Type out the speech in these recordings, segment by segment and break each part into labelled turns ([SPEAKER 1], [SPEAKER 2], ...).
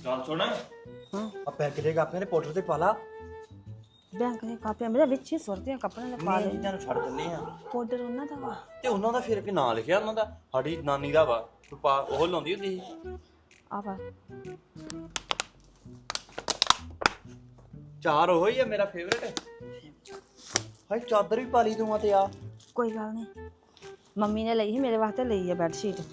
[SPEAKER 1] ਚੱਲ ਸੁਣ
[SPEAKER 2] ਹਾਂ
[SPEAKER 1] ਆ ਪੈਕ ਦੇ ਕਾਪੀਆਂ ਦੇ ਪਾਊਡਰ ਤੇ ਪਾ ਲਾ
[SPEAKER 2] ਬੈਂਕ ਦੇ ਕਾਪੀਆਂ ਮੇਰੇ ਵਿੱਚ ਹੀ ਸੁੱਟਦੀਆਂ ਕੱਪੜਿਆਂ ਦੇ ਪਾ
[SPEAKER 1] ਨਹੀਂ
[SPEAKER 2] ਦੇ
[SPEAKER 1] ਇਹਨਾਂ ਨੂੰ ਛੱਡ ਦਿੰਦੇ ਆ
[SPEAKER 2] ਪਾਊਡਰ ਉਹਨਾਂ ਦਾ ਵਾ
[SPEAKER 1] ਤੇ ਉਹਨਾਂ ਦਾ ਫਿਰ ਵੀ ਨਾਂ ਲਿਖਿਆ ਉਹਨਾਂ ਦਾ ਸਾਡੀ ਨਾਨੀ ਦਾ ਵਾ ਤੂੰ ਪਾ ਉਹ ਲਾਉਂਦੀ ਹੁੰਦੀ ਸੀ
[SPEAKER 2] ਆ ਵਾ
[SPEAKER 1] ਚਾਰ ਉਹ ਹੀ ਆ ਮੇਰਾ ਫੇਵਰੇਟ ਹਾਏ ਚਾਦਰ ਵੀ ਪਾ ਲਈ ਤੂੰ ਤੇ ਆ
[SPEAKER 2] ਕੋਈ ਗੱਲ ਨਹੀਂ ਮੰਮੀ ਨੇ ਲਈ ਸੀ ਮੇਰੇ ਵਾਸਤੇ ਲਈ ਆ ਬੈੱਡ ਸ਼ੀਟ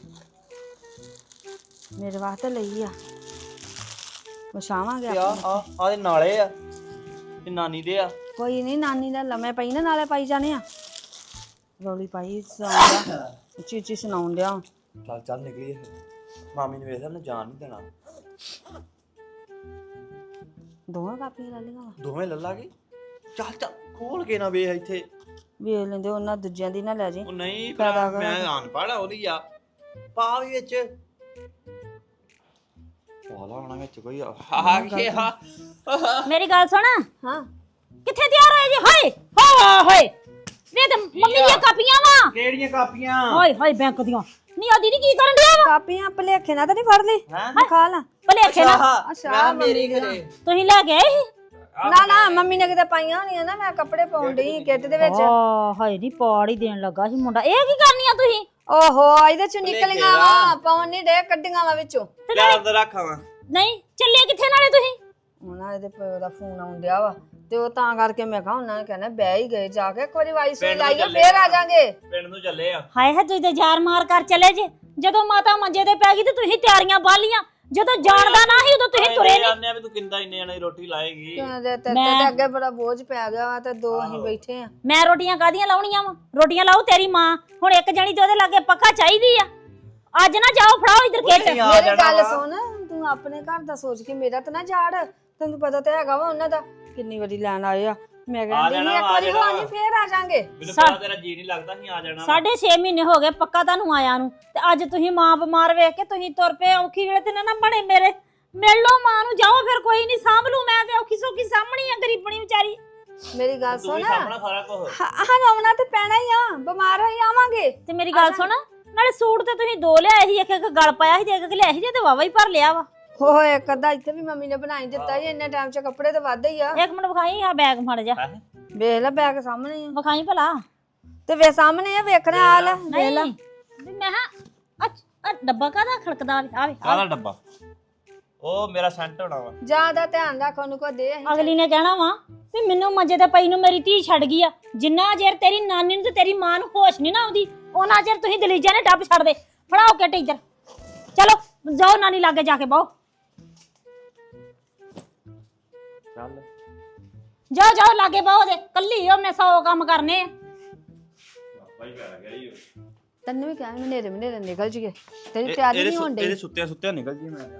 [SPEAKER 2] ਮੇਰੇ ਵਾਸਤੇ ਲਈ ਆ ਵਿਛਾਵਾਂਗੇ
[SPEAKER 1] ਤੇ ਆ ਦੇ ਨਾਲੇ ਆ ਤੇ ਨਾਨੀ ਦੇ ਆ
[SPEAKER 2] ਕੋਈ ਨਹੀਂ ਨਾਨੀ ਦਾ ਲੰਮੇ ਪਈ ਨਾ ਨਾਲੇ ਪਾਈ ਜਾਣੇ ਆ ਰੌਲੀ ਪਾਈ ਸੁਣਾਉਂਦਾ ਉੱਚੀ ਉੱਚੀ ਸੁਣਾਉਣ ਡਿਆ
[SPEAKER 1] ਚੱਲ ਚੱਲ ਨਿਕਲੀਏ ਮਾਮੀ ਨੇ ਵੇਖ ਨਾ ਜਾਣ ਨਹੀਂ ਦੇਣਾ
[SPEAKER 2] ਦੋਵਾਂ ਕਾਪੀਆਂ ਲੈ ਲਈਆਂ ਵਾ
[SPEAKER 1] ਦੋਵੇਂ ਲੱਲਾਂਗੇ ਚੱਲ ਚੱਲ ਖੋਲ ਕੇ ਨਾ ਵੇਖ ਇੱਥੇ
[SPEAKER 2] ਵੇਖ ਲੈਂਦੇ ਉਹਨਾਂ ਦੂਜਿਆਂ ਦੀ ਨਾ ਲੈ ਜੀ
[SPEAKER 1] ਉਹ ਨਹੀਂ ਭਰਾ ਮੈਂ ਅਨਪੜ੍ਹ ਆ ਉਹਦੀ ਆ ਪਾ ਵੀ ਵਿੱਚ ਵਾਲਾ ਹੋਣਾ ਵਿੱਚ ਕੋਈ ਆ ਗਿਆ ਹਾਂ
[SPEAKER 3] ਮੇਰੀ ਗੱਲ ਸੁਣ
[SPEAKER 2] ਹਾਂ
[SPEAKER 3] ਕਿੱਥੇ ਤਿਆਰ ਹੋਏ ਜੀ ਹਾਏ ਹੋਏ ਵੇ ਤੇ ਮੰਮੀ ਦੀਆਂ ਕਾਪੀਆਂ ਵਾ
[SPEAKER 1] ਕਿਹੜੀਆਂ ਕਾਪੀਆਂ
[SPEAKER 3] ਹਾਏ ਹਾਏ ਬੈਂਕ ਦੀਆਂ ਨਹੀਂ ਆ ਦੀਦੀ ਕੀ ਕਰਨ ਡਿਆ ਵਾ
[SPEAKER 2] ਕਾਪੀਆਂ ਭਲੇਖੇ ਨਾਲ ਤਾਂ ਨਹੀਂ ਫੜ ਲਈ
[SPEAKER 1] ਹੈਂ?
[SPEAKER 2] ਦਿਖਾ ਲਾ
[SPEAKER 3] ਭਲੇਖੇ ਨਾ
[SPEAKER 1] ਮੈਂ ਮੇਰੀ ਘਰੇ
[SPEAKER 3] ਤੁਸੀਂ ਲੈ ਕੇ ਆਏ ਸੀ
[SPEAKER 2] ਨਾ ਨਾ ਮੰਮੀ ਨੇ ਕਿਤੇ ਪਾਈਆਂ ਹੋਣੀਆਂ ਨਾ ਮੈਂ ਕੱਪੜੇ ਪਾਉਣ ਡਈ ਕਿੱਟ ਦੇ ਵਿੱਚ
[SPEAKER 3] ਆ ਹਾਏ ਨਹੀਂ ਪਾੜ ਹੀ ਦੇਣ ਲੱਗਾ ਸੀ ਮੁੰਡਾ ਇਹ ਕੀ ਕਰਨੀਆਂ ਤੁਸੀਂ
[SPEAKER 2] ਓਹੋ ਇਹਦੇ ਚੋਂ ਨਿਕਲੀਆਂ ਵਾ ਪਾਉਣ ਨਹੀਂ ਡੇ ਕੱਢੀਆਂ ਵਾ ਵਿੱਚੋਂ
[SPEAKER 1] ਲੈ ਅੰਦਰ ਰੱਖਾਂ
[SPEAKER 3] ਨਹੀਂ ਚੱਲੇ ਕਿੱਥੇ ਨਾਲੇ ਤੁਸੀਂ
[SPEAKER 2] ਉਹਨਾਂ ਦੇ ਪਿਓ ਦਾ ਫੋਨ ਆਉਣ ਡਿਆ ਵਾ ਤੇ ਉਹ ਤਾਂ ਕਰਕੇ ਮੈਂ ਕਿਹਾ ਉਹਨਾਂ ਨੇ ਕਹਿਣਾ ਬਹਿ ਹੀ ਗਏ ਜਾ ਕੇ ਇੱਕ ਵਾਰੀ ਵਾਈ ਸੁਣ ਲਾਈਏ ਫੇਰ ਆ ਜਾਾਂਗੇ
[SPEAKER 1] ਪਿੰਡ ਨੂੰ ਚੱਲੇ ਆ
[SPEAKER 3] ਹਾਏ ਹੈ ਤੁਸੀਂ ਤੇ ਜਾਰ ਮਾਰ ਕਰ ਚਲੇ ਜੇ ਜਦੋਂ ਮਾਤਾ ਮੰਜੇ ਤੇ ਪੈ ਗਈ ਤੇ ਤੁਸੀਂ ਤਿਆਰੀਆਂ ਬਾਲੀਆਂ ਜਦੋਂ ਜਾਣਦਾ ਨਾ ਸੀ ਉਦੋਂ ਤੁਸੀਂ ਤੁਰੇ ਨਹੀਂ
[SPEAKER 1] ਜਾਣਦੇ ਆ ਵੀ ਤੂੰ ਕਿੰਦਾ ਇੰਨੇ ਜਣੇ ਦੀ ਰੋਟੀ ਲਾਏਗੀ
[SPEAKER 2] ਤੇ ਅੱਗੇ ਬੜਾ ਬੋਝ ਪੈ ਗਿਆ ਵਾ ਤੇ ਦੋ ਅਸੀਂ ਬੈਠੇ ਆ
[SPEAKER 3] ਮੈਂ ਰੋਟੀਆਂ ਕਾਦੀਆਂ ਲਾਉਣੀਆਂ ਵਾ ਰੋਟੀਆਂ ਲਾਉ ਤੇਰੀ ਮਾਂ ਹੁਣ ਇੱਕ ਜਣੀ ਤੇ ਉਹਦੇ ਲਾਗੇ ਪੱਕਾ ਚਾਹੀਦੀ ਆ ਅੱਜ ਨਾ ਜਾਓ ਫੜਾਓ ਇਧਰ ਕਿੱਟ
[SPEAKER 2] ਮੇਰੀ ਗੱਲ ਸੁਣ ਤੂੰ ਆਪਣੇ ਘਰ ਦਾ ਸੋਚ ਕੇ ਮੇਰਾ ਤਾਂ ਨਾ ਝਾੜ ਤੈਨੂੰ ਪਤਾ ਤਾਂ ਹੈਗਾ ਵਾ ਉਹਨਾਂ ਦਾ ਕਿੰਨੀ ਵਾਰੀ ਲੈਣ ਆਏ ਆ ਮੈਂ ਕਹਿੰਦੀ ਸੀ ਇੱਕ ਵਾਰੀ ਹੋਣੀ ਫੇਰ ਆ ਜਾਾਂਗੇ
[SPEAKER 1] ਮੈਨੂੰ ਪਤਾ ਤੇਰਾ ਜੀ ਨਹੀਂ ਲੱਗਦਾ ਸੀ ਆ ਜਾਣਾ
[SPEAKER 3] 6.5 ਮਹੀਨੇ ਹੋ ਗਏ ਪੱਕਾ ਤੁਹਾਨੂੰ ਆਇਆ ਨੂੰ ਤੇ ਅੱਜ ਤੁਸੀਂ ਮਾਂ ਬਿਮਾਰ ਵੇਖ ਕੇ ਤੁਸੀਂ ਤੁਰ ਪਏ ਔਖੀ ਵੇਲੇ ਤੇ ਨਾ ਬਣੇ ਮੇਰੇ ਮਿਲ ਲਓ ਮਾਂ ਨੂੰ ਜਾਓ ਫਿਰ ਕੋਈ ਨਹੀਂ ਸਾਂਭ ਲੂ ਮੈਂ ਤੇ ਔਖੀ ਸੌਖੀ ਸਾਹਮਣੀ ਆ ਗਰੀਬਣੀ ਵਿਚਾਰੀ
[SPEAKER 2] ਮੇਰੀ ਗੱਲ
[SPEAKER 1] ਤੂੰ
[SPEAKER 2] ਸੁਣ
[SPEAKER 1] ਹੀ ਸਾਹਮਣਾ ਸਾਰਾ ਕੁਝ
[SPEAKER 2] ਹਾਂ ਆਉਣਾ ਤੇ ਪੈਣਾ ਹੀ ਆ ਬਿਮਾਰ ਹੋਈ ਆਵਾਂਗੇ
[SPEAKER 3] ਤੇ ਮੇਰੀ ਗੱਲ ਸੁਣ ਨਾਲੇ ਸੂਟ ਤੇ ਤੁਸੀਂ ਦੋ ਲਿਆਏ ਸੀ ਇੱਕ ਇੱਕ ਗਲ ਪਾਇਆ ਸੀ ਤੇ ਇੱਕ ਲਿਆਇਆ ਸੀ ਤੇ ਵਾਵਾ ਹੀ ਭਰ ਲਿਆ ਵਾ
[SPEAKER 2] ਹੋਏ ਇੱਕ ਅੱਧਾ ਇੱਥੇ ਵੀ ਮੰਮੀ ਨੇ ਬਣਾਈ ਦਿੱਤਾ ਸੀ ਇੰਨੇ ਟਾਈਮ 'ਚ ਕੱਪੜੇ ਤਾਂ ਵੱਧ ਹੀ ਆ
[SPEAKER 3] ਇੱਕ ਮਿੰਟ ਵਿਖਾਈ ਆ ਬੈਗ ਫੜ ਜਾ
[SPEAKER 2] ਵੇਖ ਲੈ ਬੈਗ ਸਾਹਮਣੇ ਆ
[SPEAKER 3] ਵਿਖਾਈ ਭਲਾ
[SPEAKER 2] ਤੇ ਵੇ ਸਾਹਮਣੇ ਆ ਵੇਖਣਾ ਆ ਲੈ ਵੇਖ ਲੈ
[SPEAKER 3] ਵੀ ਮੈਂ ਆ ਡੱਬਾ ਕਾਹਦਾ ਖੜਕਦਾ ਆਵੇ
[SPEAKER 1] ਕਾਹਦਾ ਡੱਬਾ ਉਹ ਮੇਰਾ ਸੈਂਟ ਹੋਣਾ ਵਾ
[SPEAKER 2] ਜਿਆਦਾ ਧਿਆਨ ਰੱਖ ਉਹਨੂੰ ਕੋ ਦੇ
[SPEAKER 3] ਅਗਲੀ ਨੇ ਕਹਿਣਾ ਵਾ ਵੀ ਮੈਨੂੰ ਮੰਜੇ ਤੇ ਪਈ ਨੂੰ ਮੇਰੀ ਧੀ ਛੱਡ ਗਈ ਆ ਜਿੰਨਾ ਚਿਰ ਤੇਰੀ ਨਾਨੀ ਨੂੰ ਤੇ ਤੇਰੀ ਮਾਂ ਨੂੰ ਹੋਸ਼ ਨਹੀਂ ਨਾ ਆਉਂਦੀ ਉਹਨਾਂ ਚਿਰ ਤੁਸੀਂ ਦਲੀਜਾ ਨੇ ਡੱਬ ਛੱਡ ਦੇ ਫੜਾਓ ਕੇ ਟੀਚਰ ਚਲੋ ਜਾਓ ਨਾਨੀ ਲਾਗੇ ਜਾ ਕੇ ਬਹੁ
[SPEAKER 1] ਚੱਲ
[SPEAKER 3] ਜਾਓ ਜਾਓ ਲਾਗੇ ਬਹੁ ਦੇ ਕੱਲੀ ਹੋ ਮੈਂ 100 ਕੰਮ ਕਰਨੇ ਆ
[SPEAKER 1] ਬਾਈ ਪੈ ਗਿਆ ਈ
[SPEAKER 2] ਤੈਨੂੰ ਵੀ ਕਹਿ ਮਨੇਰੇ ਨਿਕਲ ਜੀਏ ਤੇਰੀ ਤਿਆਰੀ ਨਹੀਂ ਹੋਣ ਡਈ
[SPEAKER 1] ਇਹਦੇ ਸੁੱਤਿਆ ਨਿਕਲ ਜੀ ਮੈਂ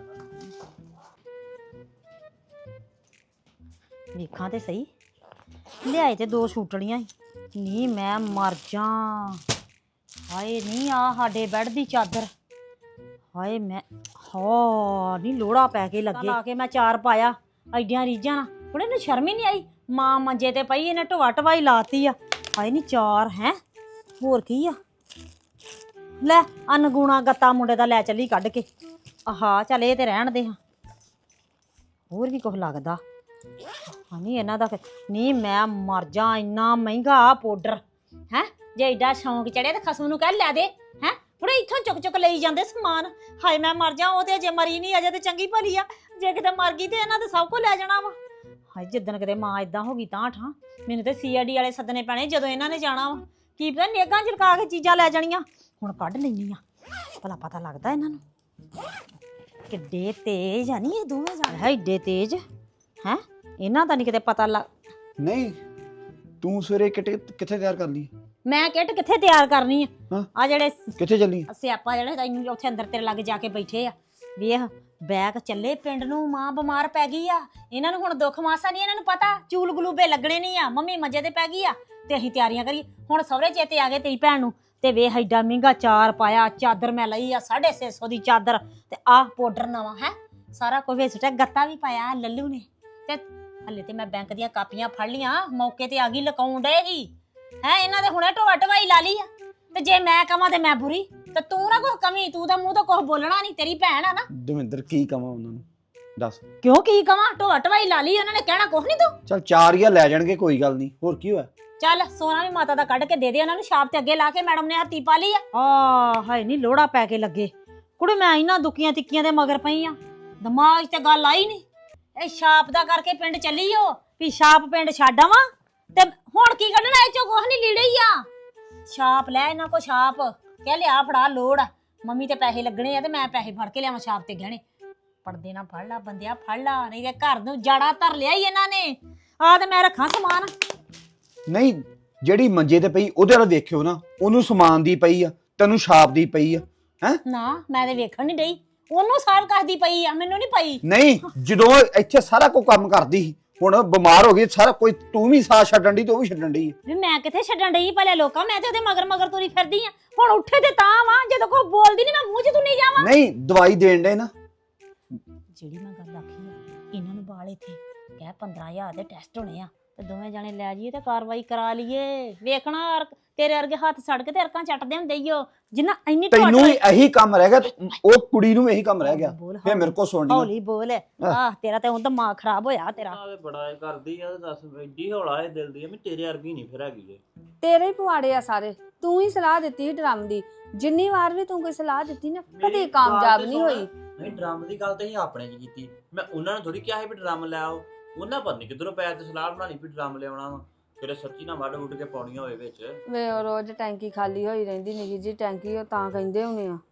[SPEAKER 3] ਵੇਖਾਂ ਤੇ ਸਹੀ ਲਿਆਏ ਤੇ ਦੋ ਛੂਟੜੀਆਂ ਸੀ ਨੀ ਮੈਂ ਮਰ ਜਾਂ ਹਾਏ ਨੀ ਆ ਸਾਡੇ ਬੈੱਡ ਦੀ ਚਾਦਰ ਹਾਏ ਮੈਂ ਹਾਂ ਨੀ ਲੋੜਾ ਪੈ ਕੇ ਲੱਗੇ ਲਾ ਕੇ ਮੈਂ ਚਾਰ ਪਾਇਆ ਐਡੀਆਂ ਰੀਝਾਂ ਨਾਲ ਹੁਣ ਇਹਨੂੰ ਸ਼ਰਮ ਹੀ ਨਹੀਂ ਆਈ ਮਾਂ ਮੰਜੇ ਤੇ ਪਈ ਇਹਨੇ ਢਵਾ ਢਵਾਈ ਲਾਤੀ ਆ ਹਾਏ ਨੀ ਚਾਰ ਹੈ ਹੋਰ ਕੀ ਆ ਲੈ ਅਨਗੁਣਾ ਗੱਤਾ ਮੁੰਡੇ ਦਾ ਲੈ ਚੱਲੀ ਕੱਢ ਕੇ ਆਹਾ ਚੱਲ ਇਹ ਤੇ ਰਹਿਣ ਦੇ ਹਾਂ ਹੋਰ ਵੀ ਕੁਝ ਲੱਗਦਾ ਨਹੀਂ ਇਹਨਾਂ ਦਾ ਨਹੀਂ ਮੈਂ ਮਰ ਜਾ ਇੰਨਾ ਮਹਿੰਗਾ ਪਾਊਡਰ ਹੈ ਜੇ ਏਡਾ ਸ਼ੌਂਕ ਚੜਿਆ ਤੇ ਖਸਮ ਨੂੰ ਕਹਿ ਲੈ ਦੇ ਹੈ ਹੁਣ ਇੱਥੋਂ ਚੁੱਕ ਚੁੱਕ ਲਈ ਜਾਂਦੇ ਸਮਾਨ ਹਾਏ ਮੈਂ ਮਰ ਜਾ ਉਹ ਤੇ ਅਜੇ ਮਰੀ ਨਹੀਂ ਅਜੇ ਤੇ ਚੰਗੀ ਭਲੀ ਆ ਜੇ ਕਿਤੇ ਮਰ ਗਈ ਤੇ ਇਹਨਾਂ ਤੇ ਸਭ ਕੁਝ ਲੈ ਜਾਣਾ ਵਾ ਹਾਏ ਜਿੱਦਣ ਕਿਤੇ ਮਾਂ ਇਦਾਂ ਹੋ ਗਈ ਤਾਂ ਠਾਂ ਮੈਨੂੰ ਤੇ ਸੀਆਈਡੀ ਵਾਲੇ ਸੱਦਣੇ ਪੈਣੇ ਜਦੋਂ ਇਹਨਾਂ ਨੇ ਜਾਣਾ ਵਾ ਕੀ ਪਤਾ ਨੇਗਾਂ ਝਲਕਾ ਕੇ ਚੀਜ਼ਾਂ ਲੈ ਜਾਣੀਆਂ ਹੁਣ ਕੱਢ ਲੈਣੀ ਆ ਭਲਾ ਪਤਾ ਲੱਗਦਾ ਇਹਨਾਂ ਨੂੰ ਕਿੱਡੇ ਤੇਜ਼ ਆ ਨਹੀਂ ਇਹ ਦੋਵੇਂ ਜਾਣੇ ਹੈ ਏਡੇ ਤੇਜ਼ ਹੈ ਇਹਨਾਂ ਦਾ ਨਹੀਂ ਕਿਤੇ ਪਤਾ ਲੱਗ
[SPEAKER 4] ਨਹੀਂ ਤੂੰ ਸਵੇਰੇ ਕਿੱਥੇ ਤਿਆਰ ਕਰ ਲਈ
[SPEAKER 3] ਮੈਂ ਕਿੱਟ ਕਿੱਥੇ ਤਿਆਰ ਕਰਨੀ
[SPEAKER 4] ਹਾਂ
[SPEAKER 3] ਆ ਜਿਹੜੇ
[SPEAKER 4] ਕਿੱਥੇ ਚੱਲੀ
[SPEAKER 3] ਸਿਆਪਾ ਜਿਹੜੇ ਤੈਨੂੰ ਉੱਥੇ ਅੰਦਰ ਤੇਰੇ ਲੱਗ ਜਾ ਕੇ ਬੈਠੇ ਆ ਵੇਖ ਬੈਗ ਚੱਲੇ ਪਿੰਡ ਨੂੰ ਮਾਂ ਬਿਮਾਰ ਪੈ ਗਈ ਆ ਇਹਨਾਂ ਨੂੰ ਹੁਣ ਦੁੱਖ ਮਾਸਾ ਨਹੀਂ ਇਹਨਾਂ ਨੂੰ ਪਤਾ ਚੂਲ ਗਲੂਬੇ ਲੱਗਣੇ ਨਹੀਂ ਆ ਮੰਮੀ ਮੰਜੇ ਤੇ ਪੈ ਗਈ ਆ ਤੇ ਅਸੀਂ ਤਿਆਰੀਆਂ ਕਰੀ ਹੁਣ ਸਹੁਰੇ ਚੇਤੇ ਆ ਗਏ ਤੇਰੀ ਭੈਣ ਨੂੰ ਤੇ ਵੇਖ ਐਡਾ ਮਹਿੰਗਾ ਚਾਰ ਪਾਇਆ ਚਾਦਰ ਮੈਂ ਲਈ ਆ 650 ਦੀ ਚਾਦਰ ਤੇ ਆਹ ਪਾਊਡਰ ਨਵਾਂ ਹੈ ਸਾਰਾ ਕੁਝ ਵਿੱਚ ਸੁੱਟਿਆ ਗੱਤਾ ਵੀ ਪਾਇਆ ਲੱਲੂ ਨੇ ਤੇ ਹਲੇ ਤੇ ਮੈਂ ਬੈਂਕ ਦੀਆਂ ਕਾਪੀਆਂ ਫੜ ਲੀਆਂ ਮੌਕੇ ਤੇ ਆ ਗਈ ਲਕਾਉਣ ਡੇ ਹੀ ਹੈ ਇਹਨਾਂ ਦੇ ਹੁਣੇ ਢੋਆ ਢਵਾਈ ਲਾ ਲਈ ਆ ਤੇ ਜੇ ਮੈਂ ਕਵਾਂ ਤੇ ਮੈਂ ਬੁਰੀ ਤੇ ਤੂੰ ਨਾ ਕੁਛ ਕਮੀ ਤੂੰ ਤਾਂ ਮੂੰਹ ਤੋਂ ਕੁਛ ਬੋਲਣਾ ਨਹੀਂ ਤੇਰੀ ਭੈਣ ਆ ਨਾ
[SPEAKER 4] ਦਵਿੰਦਰ ਕੀ ਕਵਾਂ ਉਹਨਾਂ ਨੂੰ ਦੱਸ।
[SPEAKER 3] ਕਿਉਂ ਕੀ ਕਵਾਂ? ਢੋਆ ਢਵਾਈ ਲਾ ਲਈ ਉਹਨਾਂ ਨੇ, ਕਹਿਣਾ ਕੁਛ ਨਹੀਂ ਤੂੰ।
[SPEAKER 4] ਚੱਲ 4000 ਲੈ ਜਾਣਗੇ, ਕੋਈ ਗੱਲ ਨਹੀਂ, ਹੋਰ ਕੀ ਹੋਇਆ।
[SPEAKER 3] ਚੱਲ ਸੋਨਾ ਵੀ ਮਾਤਾ ਦਾ ਕੱਢ ਕੇ ਦੇ ਦੇ ਉਹਨਾਂ ਨੂੰ, ਛਾਪ ਤੇ ਅੱਗੇ ਲਾ ਕੇ ਮੈਡਮ ਨੇ ਹੱਥੀ ਪਾ ਲਈ ਆ ਹਾਏ ਨਹੀਂ ਲੋੜਾ ਪੈ ਕੇ ਲੱਗੇ ਕੁੜੇ। ਮੈਂ ਇਹਨਾਂ ਦੁੱਕੀਆਂ ਤਿੱਕੀਆਂ ਦੇ ਮਗਰ ਪਈ ਆ, ਦਿਮਾਗ 'ਚ ਤੇ ਗੱਲ ਆਈ ਨਹੀਂ। ਇਹ ਛਾਪ ਦਾ ਕਰਕੇ ਪਿੰਡ ਚੱਲੀ ਓ ਵੀ ਛਾਪ ਪਿੰਡ ਛੱਡ ਆਵਾਂ, ਤੇ ਹੁਣ ਕੀ ਕੱਢਣਾ ਇਹ ਚੋਂ? ਕੁਛ ਨਹੀਂ, ਲੀੜੇ ਹੀ ਆ। ਛਾਪ ਲੈ ਇਹਨਾਂ ਕੋ, ਛਾਪ ਕਹਿ ਲਿਆ ਫੜਾ ਲੋੜ ਆ, ਮੰਮੀ ਤੇ ਪੈਸੇ ਲੱਗਣੇ ਆ ਤੇ ਮੈਂ ਪੈਸੇ ਫੜ ਕੇ ਲਿਆਵਾਂ ਛਾਪ ਤੇ ਗਹਿਣੇ। ਪੜਦੇ ਨਾ ਫੜ ਲਾ ਬੰਦਿਆ, ਫੜ ਲਾ, ਨਹੀਂ ਤੇ ਘਰ ਨੂੰ ਜਾੜਾ ਧਰ ਲਿਆ ਹੀ ਇਹਨਾਂ ਨੇ। ਆ ਤੇ ਮੈਂ ਰੱਖਾਂ ਸਮਾਨ।
[SPEAKER 4] ਨਹੀਂ, ਜਿਹੜੀ ਮੰਜੇ ਤੇ ਪਈ ਉਹਦੇ ਵੱਲ ਦੇਖਿਓ ਨਾ, ਉਹਨੂੰ ਸਮਾਨ ਦੀ ਪਈ ਆ, ਤੈਨੂੰ ਛਾਪ ਦੀ ਪਈ ਆ। ਹੈ
[SPEAKER 3] ਨਾ ਮੈਂ ਤੇ ਵੇਖਣ ਨਹੀਂ ਡਈ, ਉਹਨੂੰ ਸਾਰ ਕਰਦੀ ਪਈ ਆ, ਮੈਨੂੰ ਨਹੀਂ ਪਈ।
[SPEAKER 4] ਨਹੀਂ, ਜਦੋਂ ਇੱਥੇ ਸਾਰਾ ਕੁਝ ਕੰਮ ਕਰਦੀ ਸੀ, ਹੁਣ ਬਿਮਾਰ ਹੋ ਗਈ ਸਾਰਾ ਕੋਈ, ਤੂੰ ਵੀ ਸਾਥ ਛੱਡਣ ਦੀ ਤੇ ਉਹ ਵੀ ਛੱਡਣ ਦੀ।
[SPEAKER 3] ਵੀ ਮੈਂ ਕਿੱਥੇ ਛੱਡਣ ਡਈ ਭਲੇ ਲੋਕਾਂ, ਮੈਂ ਤੇ ਉਹਦੇ ਮਗਰ ਮਗਰ ਤੁਰੀ ਫਿਰਦੀ ਆ। ਹੁਣ ਉੱਠੇ ਤੇ ਤਾਂ ਵਾਂ, ਜਦੋਂ ਕੋਈ ਬੋਲਦੀ ਨਹੀਂ ਮੈਂ ਮੂੰਹ 'ਚ ਤੂੰ ਨਹੀਂ ਜਾਵਾਂ।
[SPEAKER 4] ਨਹੀਂ, ਦਵਾਈ ਦੇਣ ਦੇ ਨਾ।
[SPEAKER 3] ਜਿਹੜੀ ਮੈਂ ਗੱਲ ਆਖੀ ਆ, ਇਹਨਾਂ ਨੂੰ ਬਾਲ ਇੱਥੇ ਕਹਿ 15000 ਦੇ ਟੈਸਟ ਹੋਣੇ ਆ, ਤੇ ਦੋਵੇਂ ਜਾਣੇ ਲੈ ਜਾਈਏ ਤੇ ਕਾਰਵਾਈ ਕਰਾ ਲਈਏ। ਵੇਖਣਾ ਤੇਰੇ ਵਰਗੇ ਹੱਥ ਸੜ ਕੇ ਤੇ ਅਰਕਾਂ ਚੱਟਦੇ ਹੁੰਦੇ ਈ ਓ, ਜਿੰਨਾ ਇੰਨੀ
[SPEAKER 4] ਤੈਨੂੰ ਵੀ ਇਹੀ ਕੰਮ ਰਹਿ ਗਿਆ, ਉਹ ਕੁੜੀ ਨੂੰ ਵੀ ਇਹੀ ਕੰਮ ਰਹਿ ਗਿਆ, ਫੇਰ ਮੇਰੇ ਕੋਲ ਸੁਣਨੀ।
[SPEAKER 3] ਹੌਲੀ ਬੋਲ। ਆਹ ਤੇਰਾ ਤੇ ਉਹ ਦਿਮਾਗ ਖਰਾਬ ਹੋਇਆ ਤੇਰਾ।
[SPEAKER 1] ਬੜਾ ਕਰਦੀ ਆ, ਦੱਸ ਐਡੀ ਹੌਲਾ ਇਹ ਦਿਲ ਦੀ ਆ, ਮੈਂ ਤੇਰੇ ਵਰਗੀ ਨਹੀਂ ਫਿਰ ਹੈਗੀ ਜੇ।
[SPEAKER 2] ਤੇਰੇ ਹੀ ਪਵਾੜੇ ਆ ਸਾਰੇ, ਤੂੰ ਹੀ ਸਲਾਹ ਦਿੱਤੀ ਸੀ ਡਰਮ ਦੀ। ਜਿੰਨੀ ਵਾਰ ਵੀ ਤੂੰ ਕੋਈ ਸਲਾਹ ਦਿੱਤੀ ਨਾ, ਕਦੇ ਕਾਮਯਾਬ ਨਹੀਂ ਹੋਈ।
[SPEAKER 1] ਨਹੀਂ, ਡਰਮ ਦੀ ਗੱਲ ਤੇ ਹੀ ਆਪਣੇ 'ਚ ਕੀਤੀ, ਮੈਂ ਉਹਨਾਂ ਨੂੰ ਥੋੜੀ ਕਿਹਾ ਸੀ ਵੀ ਡਰਮ ਲੈ ਆਓ। ਉਹਨਾਂ ਪਤਾ ਨਹੀਂ ਕਿੱਧਰੋਂ ਪੈਰ ਤੇ ਸਲਾਹ ਬਣਾ ਲਈ ਵੀ ਡਰਮ ਲਿਆਉਣਾ ਵਾ, ਫਿਰ ਸੱਚੀ ਨਾ ਵੱਢ ਵੁੱਢ ਕੇ ਪਾਉਣੀਆਂ ਹੋਏ ਵਿੱਚ।
[SPEAKER 2] ਵੇ ਉਹ ਰੋਜ਼ ਟੈਂਕੀ ਖਾਲੀ ਹੋਈ ਰਹਿੰਦੀ, ਨਿੱਕੀ ਜੀ ਟੈਂਕੀ, ਉਹ ਤਾਂ ਕਹਿੰਦੇ ਹੋਣੇ ਆ।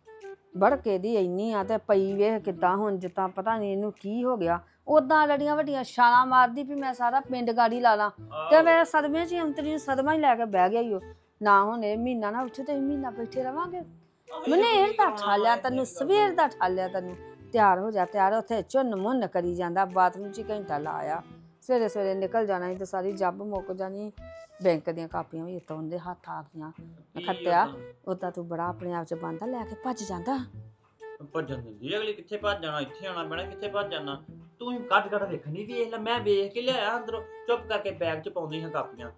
[SPEAKER 2] ਬੜਕੇ ਦੀ ਇੰਨੀ ਆ ਤੇ ਪਈ ਵੇਖ ਕਿੱਦਾਂ, ਹੁਣ ਜਿੱਦਾਂ ਪਤਾ ਨਹੀਂ ਇਹਨੂੰ ਕੀ ਹੋ ਗਿਆ। ਉਦਾਂ ਲੜੀਆਂ ਵੱਡੀਆਂ ਛਾਲਾਂ ਮਾਰਦੀ ਵੀ ਮੈਂ ਸਾਰਾ ਪਿੰਡ ਗਾੜੀ ਲਾ ਲਾਂ, ਤੇ ਮੇਰੇ ਸਦਮੇ 'ਚ ਅੰਤਰੀ ਨੂੰ ਸਦਮਾ ਹੀ ਲੈ ਕੇ ਬਹਿ ਗਿਆ ਈ ਉਹ। ਨਾ ਹੁਣ ਇਹ ਮਹੀਨਾ ਨਾ ਉੱਠੇ ਤੇ ਮਹੀਨਾ ਬੈਠੇ ਰਵਾਂਗੇ। ਮਨੇਰ ਦਾ ਠਾਲਿਆ ਤੈਨੂੰ, ਸਵੇਰ ਦਾ ਠਾਲਿਆ ਤੈਨੂੰ। ਤਿਆਰ ਹੋ ਜਾ, ਤਿਆਰ। ਉੱਥੇ ਚੁੰਨ ਮੁੰਨ ਕਰੀ ਜਾਂਦਾ, ਬਾਥਰੂਮ 'ਚ ਘੰਟਾ ਲਾਇਆ। ਸਵੇਰੇ ਸਵੇਰੇ ਨਿਕਲ ਜਾਣਾ ਸੀ ਤੇ ਸਾਰੀ ਜੱਬ ਮੁੱਕ ਜਾਣੀ। ਬੈਂਕ ਦੀਆਂ ਕਾਪੀਆਂ ਵੀ ਇੱਥੋਂ ਉਹਦੇ ਹੱਥ ਆ ਗਈਆਂ। ਖੱਤਿਆ ਉਦਾਂ ਤੂੰ ਬੜਾ ਆਪਣੇ ਆਪ 'ਚ ਬੰਦਾ, ਲੈ ਕੇ ਭੱਜ ਜਾਂਦਾ।
[SPEAKER 1] ਭੱਜਣ ਦਿੰਦੀ ਅਗਲੀ, ਕਿੱਥੇ ਭੱਜ ਜਾਣਾ, ਇੱਥੇ ਆਉਣਾ ਪੈਣਾ, ਕਿੱਥੇ ਭੱਜ ਜਾਣਾ। ਤੂੰ ਹੀ ਕੱਢ ਕੱਢ ਵੇਖਣੀ, ਵੇਖ ਲੈ, ਮੈਂ ਵੇਖ ਕੇ ਲਿਆਇਆ ਅੰਦਰੋਂ, ਚੁੱਪ ਕਰਕੇ ਬੈਗ 'ਚ ਪਾਉਂਦੀ ਹਾਂ ਕਾਪੀਆਂ।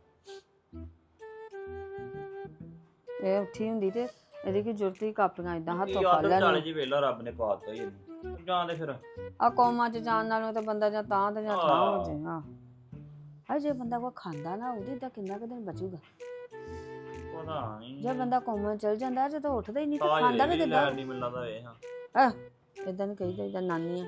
[SPEAKER 2] ਇਹ ਉੱਠੀ ਹੁੰਦੀ ਤੇ ਇਹਦੀ ਕੀ ਜ਼ਰੂਰਤ ਸੀ ਕਾਪੀਆਂ ਇਦਾਂ ਹੱਥੋਂ ਫੜ
[SPEAKER 1] ਚਾਲੇ
[SPEAKER 2] ਲੈਣੀ।
[SPEAKER 1] ਜੀ ਵੇਲਾ ਰੱਬ ਨੇ ਪਾਤਾ ਹੀ ਇਹਨੂੰ, ਜਾਂਦੇ ਫਿਰ
[SPEAKER 2] ਆ ਕੌਮਾਂ 'ਚ ਜਾਣ ਨਾਲੋਂ ਤਾਂ ਬੰਦਾ ਜਾਂ ਤਾਂ ਤੇ ਜਾਂ ਤਾਂ ਹੋ ਜੇ। ਹਾਂ, ਜੇ ਬੰਦਾ ਕੋਈ ਖਾਂਦਾ ਨਾ, ਉਹਦੇ ਤਾਂ ਕਿੰਨਾ ਕੁ ਦਿਨ ਬਚੂਗਾ।
[SPEAKER 1] ਪਤਾ ਨਹੀਂ,
[SPEAKER 2] ਜੇ ਬੰਦਾ ਕੌਮਾਂ ਚਲ ਜਾਂਦਾ, ਜਦੋਂ ਉੱਠਦਾ ਹੀ ਨਹੀਂ ਤਾਂ ਖਾਂਦਾ ਵੀ ਕਿੱਦਾਂ।
[SPEAKER 1] ਨਹੀਂ ਮਿਲਦਾ ਵੇ। ਹਾਂ,
[SPEAKER 2] ਇਦਾਂ ਨਹੀਂ ਕਹੀਦਾ, ਇਦਾਂ ਨਾਨੀ ਆ।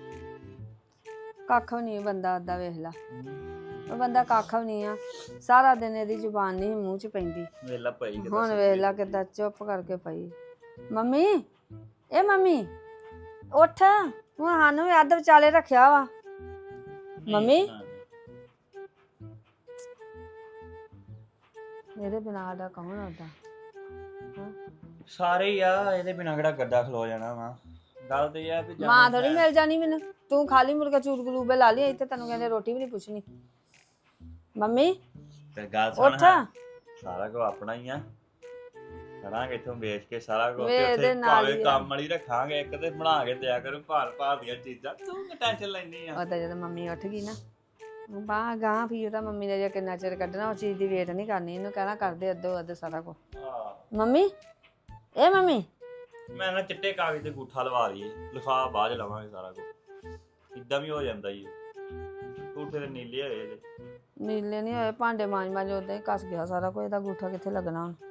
[SPEAKER 2] ਕੱਖ ਵੀ ਨਹੀਂ ਬੰਦਾ ਏਦਾਂ, ਵੇਖ ਲਾ ਉਹ ਬੰਦਾ ਕੱਖ ਵੀ ਨਹੀਂ ਆ। ਸਾਰਾ ਦਿਨ ਇਹਦੀ ਜ਼ੁਬਾਨ ਨਹੀਂ ਮੂੰਹ 'ਚ ਪੈਂਦੀ,
[SPEAKER 1] ਵੇਲਾ ਪਈ ਕਿਤੇ।
[SPEAKER 2] ਹੁਣ ਵੇਖ ਲਾ ਕਿੱਦਾਂ ਚੁੱਪ ਕਰਕੇ ਪਈ। ਮੰਮੀ, ਇਹ ਮੰਮੀ ਉੱਠ, ਹੁਣ ਸਾਨੂੰ ਵੀ ਅੱਧ ਵਿਚਾਲੇ ਰੱਖਿਆ ਵਾ। ਮੰਮੀ, ਇਹਦੇ ਬਿਨਾਂ ਦਾ ਕੌਣ ਆਉਂਦਾ?
[SPEAKER 1] ਸਾਰੇ ਹੀ ਆ, ਇਹਦੇ ਬਿਨਾਂ ਕਿਹੜਾ ਗੱਡਾ ਖਲੋ ਜਾਣਾ ਵਾ। ਗੱਲ ਤੇ ਇਹ ਆ ਵੀ
[SPEAKER 2] ਮਾਂ ਥੋੜੀ ਮਿਲ ਜਾਣੀ ਮੈਨੂੰ, ਤੂੰ ਖਾਲੀ ਮੁਰਗਾ ਚੂਰ ਗਲੂਬੇ ਲਾ ਲਈ ਇੱਥੇ, ਤੈਨੂੰ ਕਹਿੰਦੇ ਰੋਟੀ ਵੀ ਨਹੀਂ ਪੁੱਛਣੀ। ਮੰਮੀ
[SPEAKER 1] ਤੇ ਗੱਲ ਸੁਣ,
[SPEAKER 2] ਉੱਠ।
[SPEAKER 1] ਸਾਰਾ ਕੁਝ ਆਪਣਾ ਹੀ ਆ, ਕਰਾਂਗੇ ਇੱਥੋਂ ਵੇਚ ਕੇ ਸਾਰਾ ਕੁਝ,
[SPEAKER 2] ਵੇ
[SPEAKER 1] ਤੇ
[SPEAKER 2] ਇਹਦੇ
[SPEAKER 1] ਉੱਥੇ
[SPEAKER 2] ਨਾਲ
[SPEAKER 1] ਭਾਵੇਂ
[SPEAKER 2] ਹੀ
[SPEAKER 1] ਕੰਮ ਵਾਲੀ ਰੱਖਾਂਗੇ ਇੱਕ, ਤੇ ਬਣਾ ਕੇ ਦਿਆ ਕਰੂ ਭਾਰ ਭਾਰ ਦੀਆਂ ਚੀਜ਼ਾਂ। ਤੂੰ ਕਿ ਟੈਨਸ਼ਨ ਲੈਣੀ ਆ?
[SPEAKER 2] ਉਹ ਤਾਂ ਜਦੋਂ ਮੰਮੀ ਉੱਠ ਗਈ ਨਾ, ਬਾਹ ਗਾਂ ਵੀ ਉਹਦਾ ਮੰਮੀ ਨੇ ਜੇ ਕਿੰਨਾ ਚਿਰ ਕੱਢਣਾ, ਉਹ ਚੀਜ਼ ਦੀ ਵੇਟ ਨਹੀਂ ਕਰਨੀ। ਇਹਨੂੰ ਕਹਿਣਾ ਕਰਦੇ ਅੱਧੋ ਅੱਧ ਸਾਰਾ ਕੁਝ। ਮੰਮੀ, ਇਹ ਮੰਮੀ
[SPEAKER 1] ਮੈਂ ਨਾ ਚਿੱਟੇ ਕਾਗਜ਼ ਤੇ ਗੂਠਾ ਲਵਾ ਲਈਏ, ਲਿਖਾ ਬਾਅਦ ਚ ਲਵਾਂਗੇ ਸਾਰਾ ਕੁਝ, ਇਦਾਂ ਵੀ ਹੋ ਜਾਂਦਾ ਜੀ। ਗੂਠੇ ਤੇ ਨੀਲੇ ਹੋਏ ਇਹਦੇ,
[SPEAKER 2] ਨੀਲੇ ਨਹੀਂ ਹੋਏ, ਭਾਂਡੇ ਮਾਂਜ ਮਾਂਜ ਉਦਾਂ ਹੀ ਕੱਸ ਗਿਆ ਸਾਰਾ ਕੁਝ। ਇਹਦਾ ਗੂਠਾ ਕਿੱਥੇ ਲੱਗਣਾ ਹੁਣ?